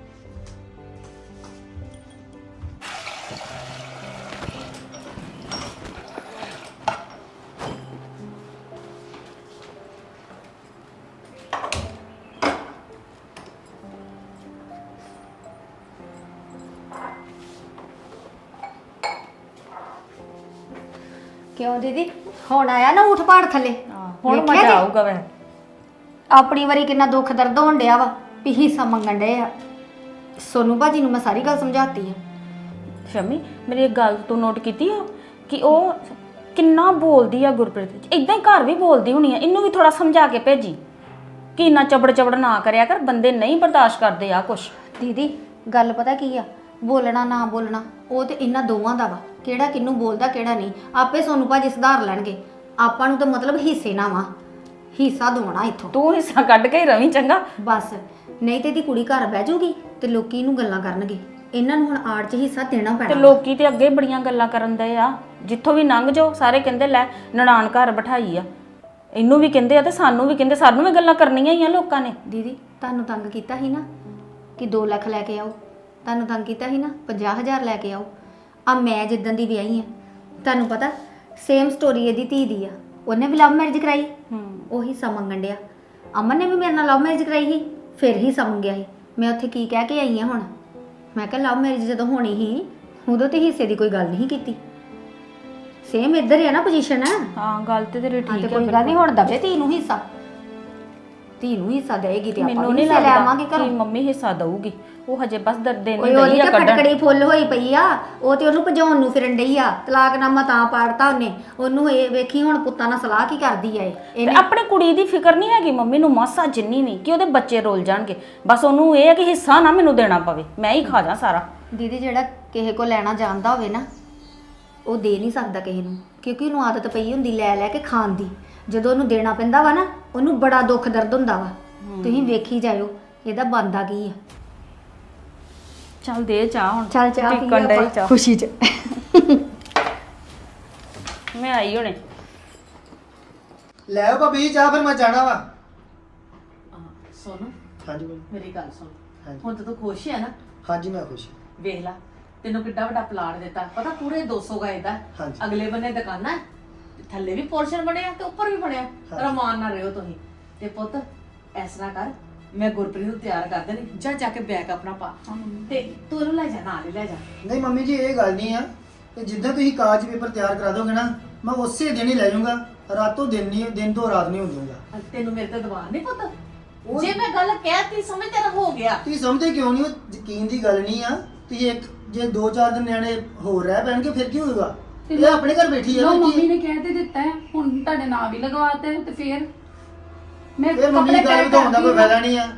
ਕਿਉਂ ਦੀਦੀ ਹੁਣ ਆਇਆ ਨਾ ਉਠ ਪਾੜ ਥੱਲੇ?
ਹੁਣ
ਵੇਖਿਆ
ਮਜ਼ਾ
ਜੀ?
ਆਊਗਾ ਵੈ।
ਆਪਣੀ ਵਾਰੀ ਕਿੰਨਾ ਦੁੱਖ ਦਰਦ ਹੋਣ ਡਿਆ ਵਾ ਵੀ ਹਿੱਸਾ ਮੰਗਣ ਡਏ ਆ। ਸੋਨੂੰ ਭਾਜੀ ਨੂੰ ਮੈਂ ਸਾਰੀ ਗੱਲ ਸਮਝਾਤੀ ਆ।
ਸ਼ਮੀ, ਮੇਰੀ ਇੱਕ ਗੱਲ ਤੂੰ ਨੋਟ ਕੀਤੀ ਆ ਕਿ ਉਹ ਕਿੰਨਾ ਬੋਲਦੀ ਆ ਗੁਰਪ੍ਰੀਤ। ਇਦਾਂ ਹੀ ਘਰ ਵੀ ਬੋਲਦੀ ਹੋਣੀ ਆ। ਇਹਨੂੰ ਵੀ ਥੋੜਾ ਸਮਝਾ ਕੇ ਭੇਜੀ ਕਿ ਇੰਨਾ ਚਬੜ ਚਬੜ ਨਾ ਕਰਿਆ ਕਰ, ਬੰਦੇ ਨਹੀਂ ਬਰਦਾਸ਼ਤ ਕਰਦੇ ਆ ਕੁਛ।
ਦੀਦੀ ਗੱਲ ਪਤਾ ਕੀ ਆ, ਬੋਲਣਾ ਨਾ ਬੋਲਣਾ ਉਹ ਤੇ ਇਹਨਾਂ ਦੋਵਾਂ ਦਾ ਵਾ, ਕਿਹੜਾ ਕਿਹਨੂੰ ਬੋਲਦਾ ਕਿਹੜਾ ਨਹੀਂ। ਆਪੇ ਸੋਨੂੰ ਭਾਜੀ ਸੁਧਾਰ ਲੈਣਗੇ। ਆਪਾਂ ਨੂੰ ਤਾਂ ਮਤਲਬ ਹਿੱਸੇ ਨਾ ਵਾ, ਹਿੱਸਾ ਦਵਾਉਣਾ ਇੱਥੋਂ
ਤੂੰ ਹਿੱਸਾ ਕੱਢ ਕੇ ਹੀ ਰਵੀਂ ਚੰਗਾ।
ਬਸ। ਨਹੀਂ ਤੇ ਇਹਦੀ ਕੁੜੀ ਘਰ ਬਹਿ ਜਾਊਗੀ ਤੇ ਲੋਕੀ ਇਹਨੂੰ ਗੱਲਾਂ ਕਰਨਗੇ। ਇਹਨਾਂ ਨੂੰ ਹੁਣ ਆੜ 'ਚ ਹਿੱਸਾ ਦੇਣਾ
ਤੇ
ਪੈਣਾ।
ਲੋਕੀ ਤੇ ਅੱਗੇ ਬੜੀਆਂ ਗੱਲਾਂ ਕਰਨ ਦੇ ਆ, ਜਿੱਥੋਂ ਵੀ ਲੰਘ ਜਾਓ ਸਾਰੇ ਕਹਿੰਦੇ ਲੈ ਨਨਾਣ ਘਰ ਬਿਠਾਈ ਆ। ਇਹਨੂੰ ਵੀ ਕਹਿੰਦੇ ਆ ਤੇ ਸਾਨੂੰ ਵੀ ਕਹਿੰਦੇ, ਸਾਨੂੰ ਵੀ ਗੱਲਾਂ ਕਰਨੀਆਂ ਹੀ ਆ ਲੋਕਾਂ ਨੇ।
ਦੀਦੀ ਤੁਹਾਨੂੰ ਤੰਗ ਕੀਤਾ ਸੀ ਨਾ ਕਿ ਦੋ ਲੱਖ ਲੈ ਕੇ ਆਓ, ਤੁਹਾਨੂੰ ਤੰਗ ਕੀਤਾ ਸੀ ਨਾ ਪੰਜਾਹ ਹਜ਼ਾਰ ਲੈ ਕੇ ਆਓ। ਆ ਮੈਂ ਜਿੱਦਣ ਦੀ ਵਿਆਹੀ ਆ, ਤੁਹਾਨੂੰ ਪਤਾ ਸੇਮ ਸਟੋਰੀ ਇਹਦੀ ਧੀ ਦੀ ਆ। ਉਹਨੇ ਵੀ ਲਵ ਮੈਰਿਜ ਕਰਾਈ, ਉਹ ਹਿੱਸਾ ਮੰਗਣ ਡਿਆ। ਅਮਨ ਨੇ ਵੀ ਮੇਰੇ ਨਾਲ ਲਵ ਮੈਰਿਜ ਕਰਾਈ ਸੀ, ਫਿਰ ਹਿੱਸਾ ਮੰਗਿਆ ਸੀ। ਮੈਂ ਉੱਥੇ ਕੀ ਕਹਿ ਕੇ ਆਈ ਆ ਹੁਣ? ਮੈਂ ਕਿਹਾ ਲਵ ਮੈਰਿਜ ਜਦੋਂ ਹੋਣੀ ਸੀ ਉਦੋਂ ਤੇ ਹਿੱਸੇ ਦੀ ਕੋਈ ਗੱਲ ਨਹੀਂ ਕੀਤੀ। ਸੇਮ ਇੱਧਰ ਹੀ ਆ ਨਾ ਪੋਜੀਸ਼ਨ।
ਹਾਂ ਗੱਲ ਤੇ ਤੇਰੀ
ਹਾਂ
ਠੀਕ
ਤੇ
ਹੈ।
ਕੋਈ ਗੱਲ ਨਹੀਂ, ਹੁਣ ਦਵੇ ਧੀ ਨੂੰ ਹਿੱਸਾ। ਧੀ ਨੂੰ ਹਿੱਸਾ ਦੇਗੀ ਤੇ ਆਪਾਂ
ਮੈਨੂੰ
ਵੀ
ਨਹੀਂ
ਹਿੱਸੇ ਲੈ
ਲੱਗਦਾ
ਆਵਾਂਗੇ
ਕਿ
ਘਰੋਂ।
ਮੰਮੀ ਹਿੱਸਾ ਦਊਗੀ। ਉਹ ਹਜੇ ਬਸ ਦਰਦੇ
ਓਏ
ਨਹੀਂ
ਉਹਦੀ
ਦਈ ਆ
ਤੇ
ਕੱਢਣ।
ਫਟਕੜੀ ਫੁੱਲ ਹੋਈ ਪਈ ਆ। ਉਹ ਤੇ ਉਹਨੂੰ ਭਜਾਉਣ ਨੂੰ ਫਿਰਨ ਡਈ ਆ। ਤਲਾਕਨਾਮਾ ਤਾਂ ਪਾੜਤਾ ਉਹਨੇ। ਉਹਨੂੰ ਇਹ ਵੇਖੀ ਹੁਣ ਪੁੱਤਾਂ ਨਾਲ ਸਲਾਹ ਕੀ ਕਰਦੀ ਆ ਇਹ।
ਤੇ
ਇਹਨੇ
ਆਪਣੀ ਕੁੜੀ ਦੀ ਫਿਕਰ ਨਹੀਂ ਹੈਗੀ ਮੰਮੀ ਨੂੰ ਮਾਸਾ ਜਿੰਨੀ ਵੀ ਕਿ ਉਹਦੇ ਬੱਚੇ ਰੋਲ ਜਾਣਗੇ। ਬਸ ਉਹਨੂੰ ਇਹ ਹੈ ਕਿ ਹਿੱਸਾ ਨਾ ਮੈਨੂੰ ਦੇਣਾ ਪਵੇ, ਮੈਂ ਹੀ ਖਾ ਜਾ ਸਾਰਾ।
ਦੀਦੀ ਜਿਹੜਾ ਕਿਸੇ ਕੋ ਲੈਣਾ ਜਾਣਦਾ ਹੋਵੇ ਨਾ ਉਹ ਦੇ ਨਹੀਂ ਸਕਦਾ ਕਿਸੇ ਨੂੰ, ਕਿਉਂਕਿ ਉਹਨੂੰ ਆਦਤ ਪਈ ਹੁੰਦੀ ਲੈ ਲੈ ਕੇ ਖਾਣ ਦੀ। ਜਦੋਂ ਉਹਨੂੰ ਦੇਣਾ ਪੈਂਦਾ ਵਾ ਨਾ ਉਹਨੂੰ ਬੜਾ ਦੁੱਖ ਦਰਦ ਹੁੰਦਾ ਵਾ। ਤੁਸੀਂ ਵੇਖੀ ਜਾਇਓ ਇਹਦਾ ਬਣਦਾ ਕੀ ਆ।
ਚੱਲ ਦੇ ਚਾਹ ਹੁਣ।
ਚੱਲ ਚਾਹ ਪੀ
ਪੀਕਣ ਡਈ
ਆਪਾਂ
ਚਾਹ।
ਖੁਸ਼ੀ 'ਚ।
ਮੈਂ ਆਈ ਹੁਣੇ।
ਲੈ ਆਓ ਭਾਬੀ ਜੀ ਚਾਹ, ਫਿਰ ਮੈਂ ਜਾਣਾ ਵਾ।
ਸੋਨੂੰ
ਹਾਂਜੀ ਬੋਲੋ।
ਮੇਰੀ ਗੱਲ ਸੁਣ,
ਹਾਂਜੀ।
ਹੁਣ ਤਾਂ ਤੂੰ ਖੁਸ਼ ਹੈ ਨਾ?
ਹਾਂਜੀ ਮੈਂ ਖੁਸ਼ ਹਾਂ।
ਵੇਖ ਲਾ, ਤੈਨੂੰ ਕਿੱਡਾ ਵੱਡਾ ਪਲਾਟ ਦਿੱਤਾ, ਪਤਾ ਪੂਰੇ ਦੋ ਸੌ ਗਜ ਦਾ।
ਹਾਂਜੀ।
ਅਗਲੇ ਬੰਨੇ ਦੁਕਾਨਾਂ ਹੈ, ਤੇ ਥੱਲੇ ਵੀ ਪੋਰਸ਼ਨ ਬਣਿਆ ਤੇ ਉੱਪਰ ਵੀ ਬਣਿਆ।
ਹਾਂਜੀ।
ਰਮਾਨ ਨਾਲ ਰਹੋ ਤੁਸੀਂ। ਤੇ ਪੁੱਤ ਇਸ ਤਰ੍ਹਾਂ ਕਰ, ਮੈਂ ਗੁਰਪ੍ਰੀਤ ਨੂੰ ਤਿਆਰ ਕਰ ਦੇਣੀ, ਜਾ ਜਾ ਕੇ ਬੈਗ ਆਪਣਾ ਪਾ ਤੇ ਤੂੰ ਇਹਨੂੰ ਲੈ ਜਾ, ਨਾਲ ਹੀ ਲੈ ਜਾ।
ਨਹੀਂ ਮੰਮੀ ਜੀ ਇਹ ਗੱਲ ਨਹੀਂ ਆ ਕਿ ਜਿੱਦਾਂ ਤੁਸੀਂ ਕਾਗਜ਼ ਪੇਪਰ ਤਿਆਰ ਕਰਾ ਦੋਗੇ ਨਾ ਮੈਂ ਉਸੇ ਦਿਨ ਹੀ ਲੈ ਜਾਊਂਗਾ। ਰਾਤੋਂ ਦਿਨ ਨਹੀਂ, ਦਿਨ ਤੋਂ ਰਾਤ ਨਹੀਂ ਹੁੰਦੂਗਾ।
ਤੈਨੂੰ ਮੇਰੇ ਤੇ ਦਬਾਅ ਨਹੀਂ ਪੁੱਤ?
ਉਹ-
ਜੇ ਮੈਂ ਗੱਲ ਕਹਿਤੀ ਸਮਝ ਤੇਰਾ ਹੋ ਗਿਆ।
ਤੁਸੀਂ ਸਮਝਦੇ ਕਿਉਂ ਨਹੀਂ ਹੋ? ਯਕੀਨ ਦੀ ਗੱਲ ਨਹੀਂ ਆ। ਤੁਸੀਂ ਇੱਕ ਜੇ ਦੋ ਚਾਰ ਦਿਨ ਨਿਆਣੇ ਹੋਰ ਰਹਿ ਪੈਣਗੇ ਫਿਰ ਕੀ ਹੋਊਗਾ? ਇਹ ਆਪਣੇ ਘਰ ਬੈਠੀ ਆ
ਲੋ
ਨਾ
ਮੰਮੀ
ਕੀ-
ਨੇ ਕਹਿ ਤੇ ਦਿੱਤਾ ਹੈ, ਹੁਣ ਤੁਹਾਡੇ ਨਾਂ ਵੀ ਲਗਵਾਤੇ ਤੇ ਫਿਰ ਮੈਂ
ਇਹ ਮੰਮੀ ਦੀ ਗੱਲ
pack
ਵਧਾਉਣ ਦਾ ਕੋਈ
ਕਰਤੀ
ਫਾਇਦਾ ਨਹੀਂ ਆ।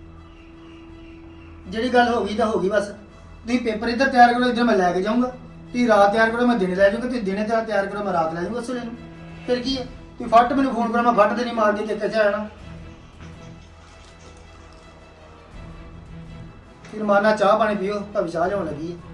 ਜਿਹੜੀ ਗੱਲ ਹੋ ਗਈ ਤਾਂ ਹੋ ਗਈ ਬਸ। ਤੁਸੀਂ ਪੇਪਰ ਇੱਧਰ ਤਿਆਰ ਕਰੋ, ਇੱਧਰ ਮੈਂ ਲੈ ਕੇ ਜਾਊਂਗਾ। ਤੁਸੀਂ ਰਾਤ ਤਿਆਰ ਕਰੋ, ਮੈਂ ਦਿਨੇ ਲੈ ਜਾਊਂਗਾ। ਤੁਸੀਂ ਦਿਨੇ ਤਿਆਰ ਤਿਆਰ ਕਰੋ, ਮੈਂ ਰਾਤ ਲੈ ਜਾਊਂਗਾ ਉਸੇ ਨੂੰ। ਫਿਰ ਕੀ ਹੈ? ਤੁਸੀਂ ਫੱਟ ਮੈਨੂੰ ਫੋਨ ਕਰੋ, ਮੈਂ ਫੱਟ ਤੇ ਨਹੀਂ ਮਾਰ ਕੇ ਕਿੱਥੇ ਆਣਾ। ਫਿਰ ਮਾਰਨਾ ਚਾਹ ਪਾਣੀ ਪੀਓ, ਭਾਵੇਂ ਚਾਹ ਲਿਆਉਣ ਲੱਗੀ ਹੈ।